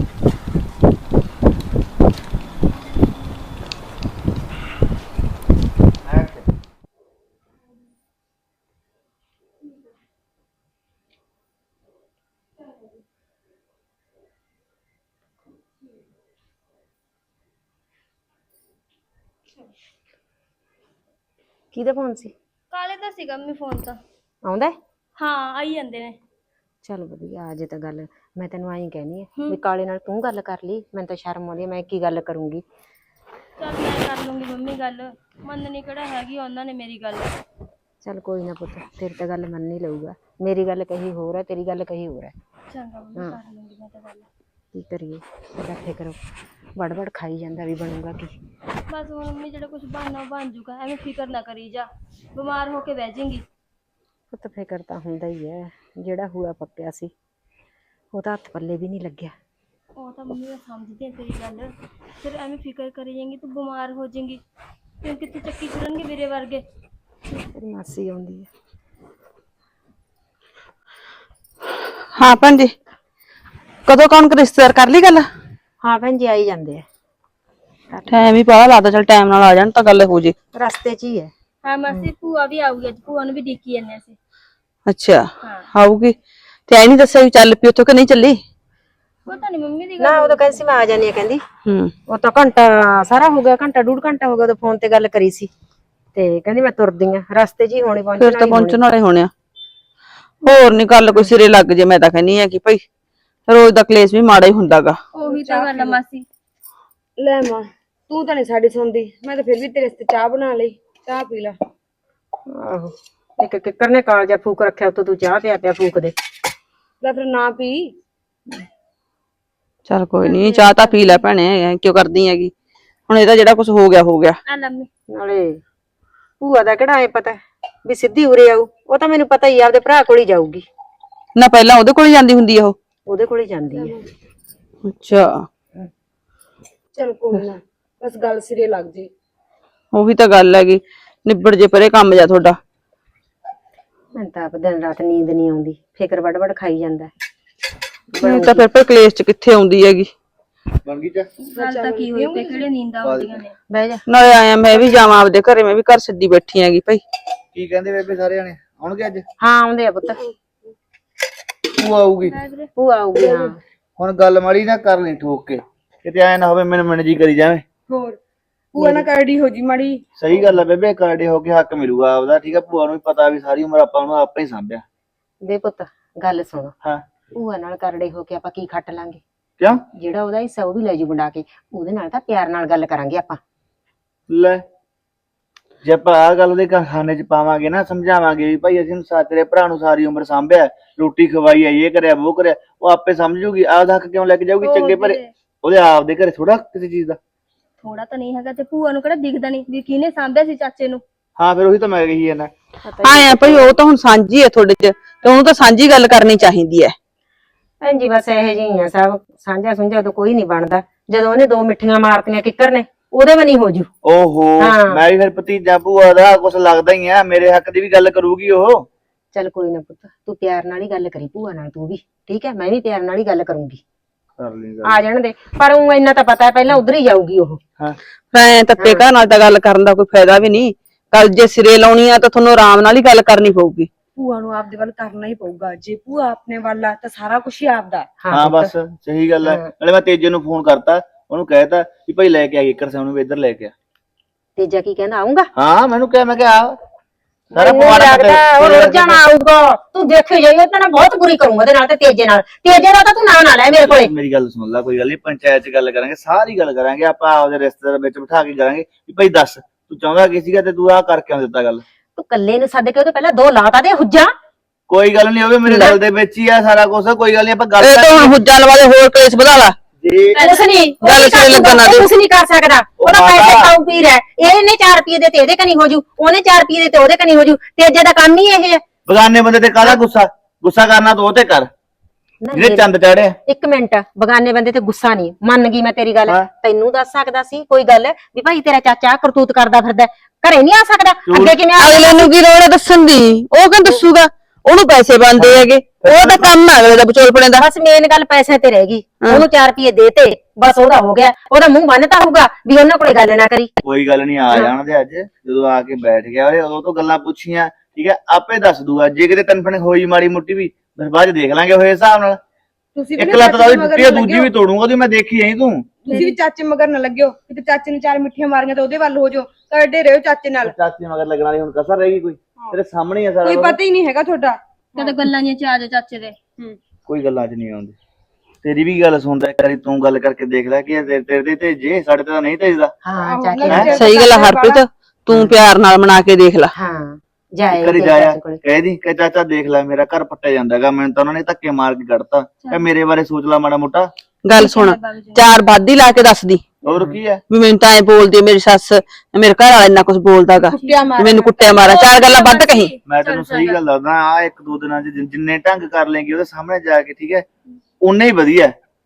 Speaker 6: ਕਿਹਦਾ ਫੋਨ ਸੀ?
Speaker 7: ਕਾਲੇ ਦਾ ਸੀਗਾ ਮੰਮੀ ਫੋਨ ਤਾਂ।
Speaker 6: ਆਉਂਦਾ ਹੈ?
Speaker 7: ਹਾਂ ਆਈ ਜਾਂਦੇ ਨੇ।
Speaker 6: ਚੱਲ ਵਧੀਆ, ਅਜੇ ਤਾਂ ਗੱਲ ਮੈਂ ਤੈਨੂੰ ਆਈ ਕਹਿਣੀ ਹੈ ਵੀ ਕਾਲੇ ਨਾਲ ਤੂੰ ਗੱਲ ਕਰ ਲਈ, ਮੈਨੂੰ ਤਾਂ ਸ਼ਰਮ ਆਉਂਦੀ ਹੈ, ਮੈਂ ਕੀ ਗੱਲ ਕਰੂੰਗੀ।
Speaker 7: ਚੱਲ ਮੈਂ ਕਰ ਲੂੰਗੀ ਮੰਮੀ ਗੱਲ, ਮੰਨਣੀ ਕਿਹੜਾ ਹੈਗੀ ਉਹਨਾਂ ਨੇ ਮੇਰੀ ਗੱਲ।
Speaker 6: ਚੱਲ ਕੋਈ ਨਾ ਪੁੱਤ, ਤੇਰੀ ਤਾਂ ਗੱਲ ਮੰਨ ਹੀ ਲਊਗਾ, ਮੇਰੀ ਗੱਲ ਕਹੀ ਹੋਰ ਹੈ, ਤੇਰੀ ਗੱਲ ਕਹੀ ਹੋਰ ਹੈ।
Speaker 7: ਚੰਗਾ ਮੰਮੀ ਕਰ ਲੂੰਗੀ ਮੈਂ ਤਾਂ ਗੱਲ।
Speaker 6: ਕੀ ਕਰੀਏ, ਇਕੱਠੇ ਕਰੋ, ਵੜ ਖਾਈ ਜਾਂਦਾ, ਵੀ ਬਣੂਗਾ ਕੀ।
Speaker 7: ਬਸ ਹੁਣ ਮੰਮੀ ਜਿਹੜਾ ਕੁਝ ਬਣਨਾ ਬਣ ਜੂਗਾ, ਐਵੇਂ ਫਿਕਰ ਨਾ ਕਰੀ ਜਾ, ਬਿਮਾਰ ਹੋ ਕੇ ਬਹਿ ਜਾਏਂਗੀ।
Speaker 6: ਪੁੱਤ ਫਿਕਰ ਤਾਂ ਹੁੰਦਾ ਹੀ ਹੈ, ਜਿਹੜਾ ਹੂਆ ਪੱਕਿਆ ਸੀ ਉਹ ਤਾਂ ਹੱਥ ਪੱਲੇ ਵੀ ਨਹੀਂ ਲੱਗਿਆ।
Speaker 7: ਉਹ ਤਾਂ ਮੰਮੀ ਮੈਂ ਸਮਝਦੀ ਹਾਂ ਤੇਰੀ ਗੱਲ, ਫਿਰ ਐਵੇਂ ਫਿਕਰ ਕਰੀ ਜਾਏਂਗੀ ਤੂੰ ਬਿਮਾਰ ਹੋ ਜਾਏਂਗੀ, ਫਿਰ ਕਿੱਥੇ ਚੱਕੀ ਫਿਰਨਗੇ ਮੇਰੇ ਵਰਗੇ।
Speaker 6: ਤੇਰੀ ਮਾਸੀ ਆਉਂਦੀ ਹੈ।
Speaker 5: ਹਾਂ ਭੈਣ ਜੀ, ਕਦੋਂ ਕੌਣ ਰਿਸ਼ਤੇਦਾਰ ਕਰ ਲਈ ਗੱਲ?
Speaker 6: ਹਾਂ ਭੈਣ ਜੀ ਆਈ ਜਾਂਦੇ ਆ,
Speaker 5: ਟਾਈਮ ਹੀ ਪਤਾ ਲੱਗਦਾ, ਚਲ ਟਾਈਮ ਨਾਲ ਆ ਜਾਣ ਤਾਂ ਗੱਲ ਹੋ ਜੇ।
Speaker 6: ਰਸਤੇ 'ਚ ਹੀ ਹੈ।
Speaker 7: ਹਾਂ ਮਾਸੀ ਭੂਆ ਵੀ ਆਊਗੀ ਅੱਜ, ਭੂਆ ਨੂੰ ਵੀ ਡਿੱਕੀ ਜਾਂਦੇ ਅਸੀਂ।
Speaker 5: ਅੱਛਾ, ਆਊਗੀ ਤੇ ਐ ਨਹੀਂ ਦੱਸਿਆ ਵੀ ਚੱਲ ਪਈ ਉੱਥੋਂ ਕਿ ਨਹੀਂ ਚੱਲੀ?
Speaker 7: ਪਤਾ ਨਹੀਂ ਮੰਮੀ ਦੀ
Speaker 6: ਨਾ ਉਹ ਤਾਂ ਕਹਿੰਦੀ ਸੀ ਮੈਂ ਆ ਜਾਣੀ ਆ, ਕਹਿੰਦੀ
Speaker 5: ਹੂੰ,
Speaker 6: ਉਹ ਤਾਂ ਘੰਟਾ ਸਾਰਾ ਹੋ ਗਿਆ, ਘੰਟਾ ਡੂਢ ਘੰਟਾ ਹੋ ਗਿਆ ਉਹਦੇ ਫੋਨ ਤੇ ਗੱਲ ਕਰੀ ਸੀ, ਤੇ ਕਹਿੰਦੀ ਮੈਂ ਤੁਰਦੀ ਆ, ਰਸਤੇ 'ਚ ਹੀ ਹੋਣੀ
Speaker 5: ਫਿਰ
Speaker 6: ਪਹੁੰਚਣ
Speaker 5: ਤਾਂ
Speaker 6: ਵਾਲੀ
Speaker 5: ਪਹੁੰਚਣ ਵਾਲੇ ਹੋਣੇ ਆ। ਹੋਰ ਨਹੀਂ ਗੱਲ ਕੋਈ ਸਿਰੇ ਲੱਗ ਜੇ, ਮੈਂ ਤਾਂ ਕਹਿੰਨੀ ਆ ਕਿ ਭਾਈ ਰੋਜ਼ ਦਾ ਕਲੇਸ਼ ਵੀ ਮਾੜਾ ਹੀ ਹੁੰਦਾਗਾ।
Speaker 7: ਉਹੀ ਤਾਂ ਗੱਲ ਆ ਮਾਸੀ।
Speaker 6: ਲੈ ਮਾਂ, ਤੂੰ ਤਾਂ ਨਹੀਂ ਸਾਡੀ ਸੁਣਦੀ, ਮੈਂ ਤਾਂ ਫਿਰ ਵੀ ਤੇਰੇ ਵਾਸਤੇ ਚਾਹ ਬਣਾ ਲਈ, ਚਾਹ ਪੀ ਲੈ। ਆਹੋ, ਇੱਕ ਕਿੱਕਰ ਨੇ ਕਾਲਜਾ ਫੂਕ ਰੱਖਿਆ, ਉੱਤੋਂ ਤੂੰ ਚਾਹ ਪਿਆ ਫੂਕ ਦੇ, ਲੈ ਫਿਰ ਨਾ ਪੀ।
Speaker 5: ਚੱਲ ਕੋਈ ਨਹੀਂ, ਚਾਹ ਤਾਂ ਪੀ ਲੈ ਭੈਣੇ, ਕਿਉਂ ਕਰਦੀ ਹੈਗੀ, ਹੁਣ ਇਹਦਾ ਜਿਹੜਾ ਕੁਝ ਹੋ ਗਿਆ ਹੋ ਗਿਆ।
Speaker 7: ਆ ਲੰਮੀ
Speaker 6: ਨਾਲੇ ਭੂਆ ਦਾ ਕਿਹੜਾ ਐ ਪਤਾ ਵੀ ਸਿੱਧੀ ਉਰੇ ਆਊ, ਉਹ ਤਾਂ ਮੈਨੂੰ ਪਤਾ ਹੀ ਆ, ਆਪਦੇ ਭਰਾ ਕੋਲ ਹੀ ਜਾਊਗੀ।
Speaker 5: ਨਾ ਪਹਿਲਾਂ ਉਹਦੇ ਕੋਲ ਹੀ ਜਾਂਦੀ ਹੁੰਦੀ ਆ ਉਹ?
Speaker 6: ਉਹਦੇ ਕੋਲ ਹੀ ਜਾਂਦੀ ਹੈ।
Speaker 5: ਅੱਛਾ,
Speaker 6: ਚਲ ਕੋਈ ਨਾ, ਬਸ ਗੱਲ ਸਿਰੇ ਲੱਗ ਜੇ।
Speaker 5: ਉਹੀ ਤਾਂ ਗੱਲ ਹੈਗੀ, ਨਿਬੜ ਜੇ ਪਰੇ ਕੰਮ ਜਾ ਤੁਹਾਡਾ।
Speaker 6: ਮੈਨੂੰ ਤਾਂ ਆਪ ਦਿਨ ਰਾਤ ਨੀਂਦ ਨਹੀਂ ਆਉਂਦੀ, ਫਿਕਰ ਵੱਡ ਵੱਡ ਖਾਈ ਜਾਂਦਾ।
Speaker 5: ਨਹੀਂ ਤਾਂ ਫਿਰ ਕਲੇਸ਼ ਚ ਕਿੱਥੇ ਆਉਂਦੀ ਹੈਗੀ।
Speaker 3: ਬਣ ਗਈ ਚਾ
Speaker 7: ਗੱਲ ਤਾਂ ਕੀ ਹੋਈ ਤੇ ਕਿਹੜੇ ਨੀਂਦਾਂ ਆਉਂਦੀਆਂ ਨੇ।
Speaker 6: ਬਹਿ ਜਾ।
Speaker 5: ਨਾਲੇ ਆਇਆ ਮੈਂ ਵੀ ਜਾਵਾਂ ਆਪਦੇ ਘਰੇ, ਮੈਂ ਵੀ ਘਰ ਛੱਡੀ ਬੈਠੀ ਹੈਗੀ ਭਾਈ।
Speaker 3: ਕੀ ਕਹਿੰਦੇ ਬੇਬੇ ਸਾਰੇ ਜਾਣੇ ਆਉਣਗੇ ਅੱਜ?
Speaker 6: ਹਾਂ ਆਉਂਦੇ ਆ ਪੁੱਤ,
Speaker 3: ਤੂੰ ਆਊਗੀ?
Speaker 6: ਭੂਆ ਆਊਗੀ। ਹਾਂ
Speaker 3: ਹੁਣ ਗੱਲ ਮਾੜੀ ਨਾ ਕਰ ਲਈ ਠੋਕ ਕੇ, ਕਿਤੇ ਐ ਨਾ ਹੋਵੇ ਮੈਨੂੰ ਜੀ ਕਰੀ ਜਾਵੇਂ।
Speaker 8: ਹੋਰ ਭੂਆ ਨਾਲ ਕਰੜੀ ਹੋ ਜੀ ਮਾੜੀ।
Speaker 3: ਸਹੀ ਗੱਲ ਆ ਬੇਬੇ, ਕਾਰਡੇ ਹੋ ਕੇ ਹੱਕ ਮਿਲੂਗਾ ਆਪਦਾ, ਠੀਕ ਆ। ਭੂਆ ਨੂੰ ਵੀ ਪਤਾ ਵੀ ਸਾਰੀ ਉਮਰ ਆਪਾਂ ਨੂੰ ਆਪੇ ਹੀ ਸਾਂਭਿਆ।
Speaker 6: ਵੇ ਪੁੱਤ ਗੱਲ ਸੁਣ,
Speaker 3: ਹਾਂ
Speaker 6: ਭੂਆ ਨਾਲ ਕਰੜੇ ਹੋ ਕੇ ਆਪਾਂ ਕੀ ਖੱਟ ਲਾਂਗੇ?
Speaker 3: ਕਿਉਂ?
Speaker 6: ਜਿਹੜਾ ਉਹਦਾ ਹਿੱਸਾ ਉਹ ਵੀ ਲੈ ਜੂ ਵੰਡਾ ਕੇ, ਉਹਦੇ ਨਾਲ ਤਾਂ ਪਿਆਰ ਨਾਲ ਗੱਲ ਕਰਾਂਗੇ ਆਪਾਂ।
Speaker 3: ਲੈ ਜੇ ਆਪਾਂ ਆਹ ਗੱਲ ਉਹਦੇ ਖਾਨੇ 'ਚ ਪਾਵਾਂਗੇ ਨਾ, ਸਮਝਾਵਾਂਗੇ ਵੀ ਭਾਈ ਅਸੀਂ ਤੇਰੇ ਭਰਾ ਨੂੰ ਸਾਰੀ ਉਮਰ ਸਾਂਭਿਆ, ਰੋਟੀ ਖਵਾਈ ਆ, ਇਹ ਕਰਿਆ ਉਹ ਕਰਿਆ, ਉਹ ਆਪੇ ਸਮਝ ਜੂਗੀ। ਆਪਦਾ ਹੱਕ ਕਿਉਂ ਲੈ ਕੇ ਜਾਊਗੀ ਚੰਗੇ ਭਲੇ? ਉਹਦੇ ਆਪਦੇ ਘਰੇ ਥੋੜਾ ਕਿਸੇ ਚੀਜ਼ ਦਾ
Speaker 7: ਥੋੜਾ ਤਾਂ ਨਹੀਂ ਹੈਗਾ, ਤੇ ਭੂਆ ਨੂੰ ਕਿਹੜਾ ਦਿਖਦਾ ਨਹੀਂ ਵੀ ਕਿਹਨੇ ਸਾਂਭਿਆ ਸੀ ਚਾਚੇ ਨੂੰ।
Speaker 3: ਹਾਂ ਫਿਰ ਉਹੀ ਤਾਂ ਮੈਂ ਕਹੀ ਜਾਂਦਾ।
Speaker 5: ਆਇਆ ਭਾਈ, ਉਹ ਤਾਂ ਹੁਣ ਸਾਂਝੀ ਹੈ ਤੁਹਾਡੇ ਚ, ਤੇ ਉਹਨੂੰ ਤਾਂ ਸਾਂਝੀ ਗੱਲ ਕਰਨੀ ਚਾਹੀਦੀ ਹੈ।
Speaker 6: ਭੈਣ ਜੀ ਬਸ ਇਹੋ ਜਿਹੀ ਆ, ਸਭ ਸਾਂਝਾ ਸੁੰਝਾ ਤੋਂ ਕੋਈ ਨਹੀਂ ਬਣਦਾ। ਜਦੋਂ ਉਹਨੇ ਦੋ ਮਿੱਠੀਆਂ ਮਾਰਤੀਆਂ ਕਿੱਕਰ ਨੇ, ਉਹਦੇ ਵੀ ਨਹੀਂ ਹੋ ਜੂ।
Speaker 3: ਓਹੋ,
Speaker 6: ਹਾਂ।
Speaker 3: ਮੈਂ ਵੀ ਫਿਰ ਭਤੀਜਾ ਭੂਆ ਦਾ ਕੁਛ ਲੱਗਦਾ ਹੀ ਆ, ਮੇਰੇ ਹੱਕ ਦੀ ਵੀ ਗੱਲ ਕਰੂਗੀ ਉਹ।
Speaker 6: ਚੱਲ ਕੋਈ ਨਾ ਪੁੱਤ, ਤੂੰ ਪਿਆਰ ਨਾਲ ਹੀ ਗੱਲ ਕਰੀ ਭੂਆ ਨਾਲ, ਤੂੰ ਵੀ ਠੀਕ ਹੈ, ਮੈਂ ਵੀ ਪਿਆਰ ਨਾਲ ਹੀ ਗੱਲ ਕਰੂੰਗੀ।
Speaker 3: ਕਰ ਲਈ
Speaker 6: ਆ ਜਾਣ ਦੇ, ਪਰ ਉਹ ਇੰਨਾ ਤਾਂ ਪਤਾ ਹੈ ਪਹਿਲਾਂ ਉਧਰ ਹੀ ਜਾਊਗੀ ਉਹ।
Speaker 3: ਹਾਂ
Speaker 5: ਐ ਤੱਪੇ ਘਰ ਨਾਲ ਤਾਂ ਗੱਲ ਕਰਨ ਦਾ ਕੋਈ ਫਾਇਦਾ ਵੀ ਨਹੀਂ। ਗੱਲ ਜੇ ਸਿਰੇ ਲਾਉਣੀ ਆ ਤਾਂ ਤੁਹਾਨੂੰ ਆਰਾਮ ਨਾਲ ਹੀ ਗੱਲ ਕਰਨੀ ਪਊਗੀ।
Speaker 8: ਭੂਆ ਨੂੰ ਆਪਦੇ ਵੱਲ ਕਰਨਾ ਹੀ ਪਊਗਾ, ਜੇ ਭੂਆ ਆਪਣੇ ਵੱਲ ਆ ਤਾਂ ਸਾਰਾ ਕੁਝ ਹੀ ਆਪਦਾ।
Speaker 3: ਹਾਂ ਬਸ ਸਹੀ ਗੱਲ ਹੈ। ਨਾਲੇ ਮੈਂ ਤੇਜੇ ਨੂੰ ਫੋਨ ਕਰਤਾ, ਉਹਨੂੰ ਕਹਿਤਾ ਵੀ ਭਾਈ ਲੈ ਕੇ ਆ ਕਿੱਕਰ ਸਿੰਘ ਨੂੰ ਵੀ ਇੱਧਰ ਲੈ ਕੇ ਆ।
Speaker 6: ਤੇਜਾ ਕੀ ਕਹਿੰਦਾ, ਆਉਂਗਾ?
Speaker 3: ਹਾਂ ਮੈਨੂੰ ਕਿਹਾ, ਮੈਂ ਕਿਹਾ ਆ ਸਾਰਾ
Speaker 6: ਮੈਨੂੰ ਲੱਗਦਾ ਉਹ ਰੁੱਝ ਜਾਣਾ ਆਊਗਾ। ਤੂੰ ਦੇਖੀ ਜਾਈ, ਉਹ ਤਾਂ ਨਾ ਬਹੁਤ ਬੁਰੀ ਕਰੂੰਗਾ ਉਹਦੇ ਨਾਲ ਤੇ ਤੇਜੇ ਨਾਲ। ਤੇਜੇ ਦਾ ਤਾਂ ਤੂੰ ਨਾਂ ਨਾ ਲੈ ਮੇਰੇ ਕੋਲੇ।
Speaker 3: ਮੇਰੀ ਗੱਲ ਸੁਣ ਲੈ, ਕੋਈ ਗੱਲ ਨਹੀਂ, ਪੰਚਾਇਤ 'ਚ ਗੱਲ ਕਰਾਂਗੇ, ਸਾਰੀ ਗੱਲ ਕਰਾਂਗੇ ਆਪਾਂ, ਆਪਦੇ ਰਿਸ਼ਤੇਦਾਰ ਵਿੱਚ ਬਿਠਾ ਕੇ ਕਰਾਂਗੇ ਵੀ ਭਾਈ ਦੱਸ ਤੂੰ ਚਾਹੁੰਦਾ ਕੀ ਸੀਗਾ ਤੇ ਤੂੰ ਆਹ ਕਰਕੇ ਕਿਉਂ ਦਿੱਤਾ ਗੱਲ।
Speaker 6: ਤੂੰ ਕੱਲੇ ਨੂੰ ਸੱਦ ਕੇ ਉਹਦੇ ਪਹਿਲਾਂ ਦੋ ਲਾਤਾ ਦੇ ਹੁੱਜਾ।
Speaker 3: ਕੋਈ ਗੱਲ ਨਹੀਂ, ਉਹ ਵੀ ਮੇਰੇ ਗੱਲ ਦੇ ਵਿੱਚ ਹੀ ਆ ਸਾਰਾ ਕੁਝ। ਕੋਈ ਗੱਲ ਨਹੀਂ, ਆਪਾਂ ਗੱਲ
Speaker 5: ਇਹ ਤਾਂ ਹੁਣ ਹੁੱਜਾ ਲਵਾ ਦੇ, ਹੋਰ ਕਲੇਸ਼ ਵਧਾ ਲਾ।
Speaker 3: ਜੇ
Speaker 6: ਕੁਛ ਨਹੀਂ
Speaker 5: ਗੱਲ ਸਿਰੇ ਲੱਗਣ ਨਾ ਦੇ।
Speaker 6: ਕੁਛ ਨਹੀਂ ਕਰ ਸਕਦਾ, ਉਹਦਾ ਪੈਸੇ ਖਾਊ ਪੀ ਰਿਹਾ। ਇਹਨੇ 4 ਰੁਪਏ ਦੇ ਤੇ ਇਹਦੇ ਕਨੀ ਹੋ ਜੂ, ਉਹਨੇ 4 ਰੁਪਏ ਦੇ ਤੇ ਉਹਦੇ ਕਨੀ ਹੋ ਜੂ। ਤੇਜੇ ਦਾ ਕੰਮ ਹੀ ਇਹ ਹੈ।
Speaker 3: ਬਗਾਨੇ ਬੰਦੇ ਤੇ ਕਾਹਦਾ ਗੁੱਸਾ ਕਰਨਾ ਤੂੰ ਉਹ ਤੇ ਕਰ ਜਿਹੜੇ ਚੰਦ ਚਾੜਿਆ।
Speaker 6: ਇੱਕ ਮਿੰਟ, ਬਗਾਨੇ ਬੰਦੇ ਤੇ ਗੁੱਸਾ ਨਹੀਂ, ਮੰਨ ਗਈ ਮੈਂ ਤੇਰੀ ਗੱਲ। ਤੈਨੂੰ ਦੱਸ ਸਕਦਾ ਸੀ ਕੋਈ ਗੱਲ ਵੀ ਭਾਈ ਤੇਰਾ ਚਾਚਾ ਕਰਤੂਤ ਕਰਦਾ ਫਿਰਦਾ, ਘਰੇ ਨਹੀਂ ਆ ਸਕਦਾ? ਅੱਗੇ ਕਿਵੇਂ ਆ?
Speaker 5: ਅਗਲੇ ਨੂੰ ਕੀ ਲੋੜ ਹੈ ਦੱਸਣ ਦੀ? ਉਹ ਕਿਉਂ ਦੱਸੂਗਾ? ਉਹਨੂੰ ਪੈਸੇ ਬਣਦੇ ਹੈਗੇ, ਉਹ ਤਾਂ ਕੰਮ ਹੈ ਅਗਲੇ ਦਾ ਵਿਚੋਲਪਣੇ ਦਾ।
Speaker 6: ਬਸ ਮੇਨ ਗੱਲ ਪੈਸੇ ਤੇ ਰਹਿ ਗਈ। ਉਹਨੂੰ 4 ਰੁਪਏ ਦੇਤੇ, ਬਸ ਉਹਦਾ ਹੋ ਗਿਆ। ਉਹਦਾ ਮੂੰਹ ਬੰਨਤਾ ਹੋਊਗਾ ਵੀ ਉਹਨਾਂ ਕੋਲੇ ਗੱਲ ਨਾ ਕਰੀ।
Speaker 3: ਕੋਈ ਗੱਲ ਨਹੀਂ, ਆ ਜਾਣਦੇ ਅੱਜ। ਜਦੋਂ ਆ ਕੇ ਬੈਠ ਗਿਆ ਉਹਦੇ, ਉਦੋਂ ਤੋਂ ਗੱਲਾਂ ਪੁੱਛੀਆਂ, ਠੀਕ ਹੈ, ਆਪੇ ਦੱਸ ਦੂਗਾ। ਜੇ ਕਿਤੇ ਤਨਫਣ ਹੋਈ ਮਾੜੀ ਮੁੱਟੀ ਵੀ, ਫਿਰ ਬਾਅਦ ਚ ਦੇਖ ਲਾਂਗੇ ਹੋਏ ਹਿਸਾਬ ਨਾਲ।
Speaker 8: ਤੁਸੀਂ
Speaker 3: ਇੱਕ ਲੱਤ ਦਾ ਉਹਦੀ ਟੁੱਟੀ ਆ, ਦੂਜੀ ਵੀ ਤੋੜੂਗਾ ਉਹਦੀ, ਮੈਂ ਦੇਖੀ ਜਾਈ ਤੂੰ।
Speaker 8: ਤੁਸੀਂ ਵੀ ਚਾਚੇ ਮਗਰ ਨਾ ਲੱਗਿਓ, ਕਿਤੇ ਚਾਚੇ ਨੂੰ 4 ਮਿੱਠੀਆਂ ਮਾਰੀਆਂ ਤਾਂ ਉਹਦੇ ਵੱਲ ਹੋ ਜਾਓ। ਕਰਦੇ ਰਹੋ ਚਾਚੇ ਨਾਲ।
Speaker 3: ਚਾਚੀ ਮਗਰ ਲੱਗਣ ਵਾਲੀ ਹੁਣ ਕਸਰ ਰਹੇਗੀ ਕੋਈ? ਤੇਰੇ ਸਾਹਮਣੇ ਹੀ ਆ ਸਾਰਾ
Speaker 8: ਕੋਈ
Speaker 3: ਕੁਛ।
Speaker 8: ਪਤਾ ਹੀ ਨਹੀਂ ਹੈਗਾ ਤੁਹਾਡਾ।
Speaker 7: ਕਦੇ ਗੱਲਾਂ ਨਹੀਂ ਚ ਆ ਜਾ ਚਾਚੇ ਦੇ।
Speaker 3: ਕੋਈ ਗੱਲਾਂ 'ਚ ਨਹੀਂ ਆਉਂਦੀ। ਤੇਰੀ ਵੀ ਗੱਲ ਸੁਣਦਾ, ਇੱਕ ਵਾਰੀ ਤੂੰ ਗੱਲ ਕਰਕੇ ਦੇਖ ਲੈ ਕਿ ਤੇਰੇ ਤੇ ਤੇਜੇ, ਸਾਡੇ ਤੇ ਤਾਂ ਨਹੀਂ ਤੇਜਦਾ।
Speaker 6: ਹਾਂ ਚਾਚੇ,
Speaker 5: ਸਹੀ ਗੱਲ ਹੈ ਹਰਪ੍ਰੀਤ, ਤੂੰ ਪਿਆਰ ਨਾਲ ਮਨਾ ਕੇ ਦੇਖ ਲੈ।
Speaker 6: ਹਾਂ ਜਾਏ
Speaker 3: ਕਰੀ ਜਾਇਆ ਕਹਿ ਦੀ ਕਿ ਚਾਚਾ ਦੇਖ ਲੈ ਮੇਰਾ ਘਰ ਪੱਟਿਆ ਜਾਂਦਾਗਾ, ਮੈਨੂੰ ਤਾਂ ਉਹਨਾਂ ਨੇ ਧੱਕੇ ਮਾਰ ਕੇ ਕੱਢਤਾ, ਕਿ ਮੇਰੇ ਬਾਰੇ ਸੋਚ ਲੈ ਮਾੜਾ ਮੋਟਾ।
Speaker 5: ਗੱਲ ਸੁਣ, 4 ਵਾਧੀ ਲਾ ਕੇ ਦੱਸਦੀ
Speaker 3: ਹੋਰ ਕੀ ਹੈ?
Speaker 5: ਵੀ ਮੈਨੂੰ ਤਾਂ ਐ ਬੋਲਦੀ ਮੇਰੀ ਸੱਸ, ਮੇਰੇ ਘਰ ਵਾਲਾ ਇੰਨਾ ਕੁਝ ਬੋਲਦਾਗਾ, ਮੈਨੂੰ ਕੁੱਟਿਆ ਮਾਰਾ, 4 ਗੱਲਾਂ ਵੱਧ ਕਹੀ।
Speaker 3: ਮੈਂ ਤੈਨੂੰ ਸਹੀ ਗੱਲ ਦੱਸਦਾ, ਆ 1-2 ਦਿਨਾਂ 'ਚ ਜਿੰਨੇ ਢੰਗ ਕਰ ਲੇਂਗੀ ਉਹਦੇ ਸਾਹਮਣੇ ਜਾ ਕੇ, ਠੀਕ ਹੈ, ਉਨੇ ਹੀ ਵਧੀਆ।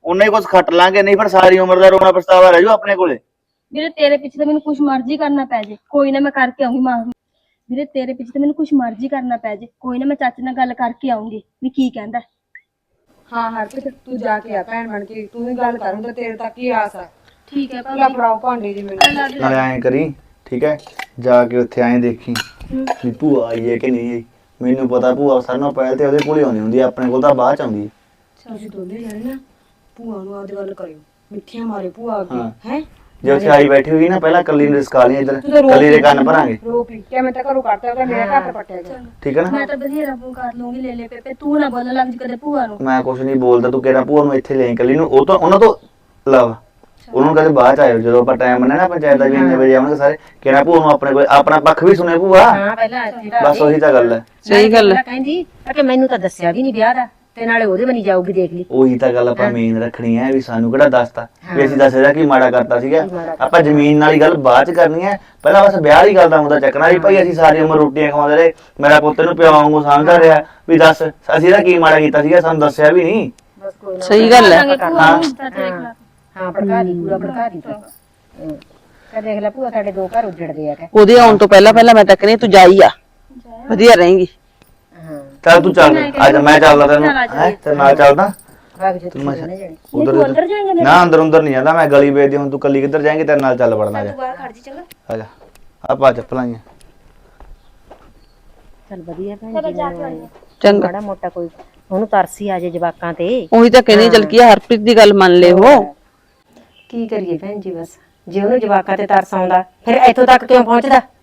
Speaker 3: ਉਹਨੇ ਹੀ ਕੁਝ ਖੱਟ ਲਾਂਗੇ, ਨਹੀਂ ਫਿਰ ਸਾਰੀ ਉਮਰ ਦਾ ਰੋਣਾ ਪਛਤਾਵਾ ਰਹਿ ਜੂ ਆਪਣੇ ਕੋਲੇ।
Speaker 7: ਵੀਰੇ ਤੇਰੇ ਪਿੱਛੇ ਤਾਂ ਮੈਨੂੰ ਕੁਛ ਮਰਜ਼ੀ ਕਰਨਾ ਪੈ ਜੇ, ਕੋਈ ਨਾ ਮੈਂ ਕਰਕੇ ਆਉਂਗੀ ਮਾਂ। ਵੀਰੇ ਤੇਰੇ ਪਿੱਛੇ ਤਾਂ ਮੈਨੂੰ ਕੁਛ ਮਰਜ਼ੀ ਕਰਨਾ ਪੈ ਜੇ, ਕੋਈ ਨਾ ਮੈਂ ਚਾਚੇ ਨਾਲ ਗੱਲ ਕਰਕੇ ਆਉਂਗੀ ਵੀ ਕੀ ਕਹਿੰਦਾ।
Speaker 6: ਹਾਂ ਹਰਪ੍ਰੀਤ ਤੂੰ ਜਾ ਕੇ ਆ ਭੈਣ ਬਣ ਕੇ, ਤੂੰ ਹੀ ਗੱਲ ਕਰੂੰਗਾ, ਤੇਰੇ ਤੱਕ ਹੀ ਆਸ ਆ।
Speaker 7: ਠੀਕ ਹੈ
Speaker 6: ਲੈ ਫੜਾਓ ਭਾਂਡੇ ਜੀ ਮੈਨੂੰ।
Speaker 3: ਨਾਲੇ ਐਂ ਕਰੀ, ਠੀਕ ਹੈ, ਜਾ ਕੇ ਉੱਥੇ ਐਂ ਦੇਖੀ ਵੀ ਭੂਆ ਆਈ ਹੈ ਕਿ ਨਹੀਂ ਆਈ। ਮੈਨੂੰ ਪਤਾ ਭੂਆ ਸਾਰਿਆਂ ਨਾਲੋਂ ਪਹਿਲ ਤੇ ਉਹਦੇ ਕੋਲ ਹੀ ਆਉਂਦੀ ਹੁੰਦੀ ਆ, ਆਪਣੇ ਕੋਲ ਤਾਂ ਬਾਅਦ ਚ ਆਉਂਦੀ ਹੈ।
Speaker 6: ਤੁਸੀਂ ਦੋਨੇ ਜਾਣੇ ਨਾ ਭੂਆ ਨੂੰ ਆਦ ਗੱਲ ਕਰਿਓ, ਮਿੱਠੀਆਂ ਮਾਰੇ ਭੂਆ ਅੱਗੇ
Speaker 3: ਹਾਂ।
Speaker 6: ਹੈ।
Speaker 3: ਜੇ ਉੱਥੇ ਆਈ ਬੈਠੀ ਹੋਈ ਨਾ, ਪਹਿਲਾਂ ਕੱਲੀ ਨੂੰ ਰਿਸਕਾ ਲਈ, ਇੱਧਰ
Speaker 6: ਤੂੰ ਤਾਂ ਰੋ
Speaker 3: ਕੱਲੀ ਦੇ ਕੰਨ ਭਰਾਂਗੇ,
Speaker 6: ਰੋਕ ਲਈ ਕਿ ਮੈਂ ਤਾਂ ਘਰੋਂ ਕੱਢਤਾ, ਉਹਦਾ ਮੇਰਾ ਘਰ ਪੱਟਿਆ ਗਿਆ।
Speaker 3: ਠੀਕ ਹੈ ਨਾ।
Speaker 7: ਮੈਂ ਤਾਂ ਬਥੇਰਾ ਫੋਨ ਕਰ ਲੂੰਗੀ ਲੈ ਲੈ ਪੇਪੇ, ਤੂੰ ਨਾ ਬੋਲਣ ਲੱਗ ਜੀ ਕਦੇ ਭੂਆ ਨੂੰ।
Speaker 3: ਮੈਂ ਕੁਛ ਨਹੀਂ ਬੋਲਦਾ, ਤੂੰ ਕਿਹੜਾ ਭੂਆ ਨੂੰ ਇੱਥੇ ਲੈ ਕੱਲੀ ਨੂੰ, ਉਹ ਤਾਂ ਉਹਨਾਂ ਤੋਂ ਲਵ ਉਹਨੂੰ ਕਦੇ ਬਾਅਦ ਚ ਆਇਓ, ਜਦੋਂ ਆਪਾਂ ਟਾਈਮ ਬੰਨਿਆ ਨਾ ਪੰਚਾਇਤ ਦਾ ਵੀ ਇੰਨੇ ਵਜੇ ਆਉਣਗੇ ਸਾਰੇ, ਕਿਹੜਾ ਭੂਆ ਨੂੰ ਆਪਣੇ ਕੋਲ ਆਪਣਾ ਪੱਖ ਵੀ ਸੁਣੇ ਭੂਆ।
Speaker 6: ਹਾਂ ਪਹਿਲਾਂ
Speaker 3: ਬਸ ਉਹੀ ਤਾਂ ਗੱਲ ਹੈ।
Speaker 5: ਸਹੀ ਗੱਲ ਹੈ।
Speaker 6: ਕਹਿੰਦੀ ਕਿ ਮੈਨੂੰ ਤਾਂ ਦੱਸਿਆ ਵੀ ਨਹੀਂ ਵਿਆਹ ਦਾ, ਤੇ ਨਾਲੇ ਉਹਦੇ ਬਣੀ ਜਾਊਗੀ, ਦੇਖ ਲਈ।
Speaker 3: ਉਹੀ ਤਾਂ ਗੱਲ ਆਪਾਂ ਮੇਨ ਰੱਖਣੀ ਹੈ ਵੀ ਸਾਨੂੰ ਕਿਹੜਾ ਦੱਸਤਾ ਵੀ ਅਸੀਂ ਦੱਸਿਆ ਕੀ ਮਾੜਾ ਕਰਤਾ ਸੀਗਾ। ਆਪਾਂ ਜ਼ਮੀਨ ਵਾਲੀ ਗੱਲ ਬਾਅਦ ਚ ਕਰਨੀ ਹੈ, ਪਹਿਲਾਂ ਬਸ ਵਿਆਹ ਵਾਲੀ ਗੱਲ ਦਾ ਮੁੱਦਾ ਚੱਕਣਾ ਵੀ ਭਾਈ ਅਸੀਂ ਸਾਰੀ ਉਮਰ ਰੋਟੀਆਂ ਖਵਾਉਂਦੇ ਰਹੇ, ਮੇਰਾ ਪੁੱਤ ਨੂੰ ਪਿਓ ਵਾਂਗੂ ਸਮਝਦਾ ਰਿਹਾ, ਵੀ ਦੱਸ ਅਸੀਂ ਤਾਂ ਕੀ ਮਾੜਾ ਕੀਤਾ ਸੀਗਾ, ਸਾਨੂੰ ਦੱਸਿਆ ਵੀ ਨਹੀਂ।
Speaker 5: ਸਹੀ ਗੱਲ ਹੈ।
Speaker 6: ਹਾਂ ਭੜਕਾ ਦੀ, ਪੂਰਾ ਭੜਕਾ ਦੀ ਤੂੰ। ਕਹ ਦੇਖ ਲੈ ਭੂਆ ਸਾਡੇ 2 ਘਰ ਉੱਜੜਦੇ ਆ ਕਿ
Speaker 5: ਉਹਦੇ ਆਉਣ ਤੋਂ ਪਹਿਲਾਂ ਪਹਿਲਾਂ ਮੈਂ ਤਾਂ ਕਹਿੰਦੀ ਤੂੰ ਜਾਈ ਆ, ਵਧੀਆ ਰਹੇਂਗੀ।
Speaker 3: ਚੱਲ ਤੂੰ ਚੱਲ, ਅੱਜ ਮੈਂ ਚੱਲਦਾ ਤੈਨੂੰ ਹੈ ਤੇ ਨਾਲ ਚੱਲਦਾ।
Speaker 6: ਭਾਗ ਜੇ ਤੂੰ ਨਾ ਜਾਣੀ।
Speaker 3: ਉਧਰ ਨਾ, ਅੰਦਰ ਅੰਦਰ ਨਹੀਂ ਜਾਂਦਾ ਮੈਂ, ਗਲੀ ਵੇਚਦੀ। ਹੁਣ ਤੂੰ ਕੱਲੀ ਕਿੱਧਰ ਜਾਏਂਗੀ, ਤੇਰੇ ਨਾਲ ਚੱਲ ਵੜਨਾ। ਜਾ
Speaker 7: ਬਾਹਰ ਖੜ ਜੀ ਚੰਗਾ।
Speaker 3: ਆ ਜਾ, ਆਪਾਂ ਚੱਪਲਾਂ ਹੀ
Speaker 6: ਚੱਲ ਵਧੀਆ ਭੈਣ ਜੀ,
Speaker 5: ਚੰਗਾ।
Speaker 6: ਮਾੜਾ ਮੋਟਾ ਕੋਈ ਉਹਨੂੰ ਤਰਸੀ ਆ ਜੇ ਜਵਾਕਾਂ ਤੇ।
Speaker 5: ਉਹੀ ਤਾਂ ਕਹਿੰਦੀ ਚਲ ਕੀ ਆ, ਹਰਪ੍ਰੀਤ ਦੀ ਗੱਲ ਮੰਨ ਲੈ ਉਹ।
Speaker 6: ਕੀ ਕਰੀਏ ਭੈਣ ਜੀ, ਬਸ ਜੇ ਉਹਨੂੰ ਜਵਾਕਾਂ ਤੇ ਤਰਸ ਆਉਂਦਾ ਫਿਰ ਇੱਥੋਂ ਤੱਕ ਕਿਉਂ ਪਹੁੰਚਦਾ।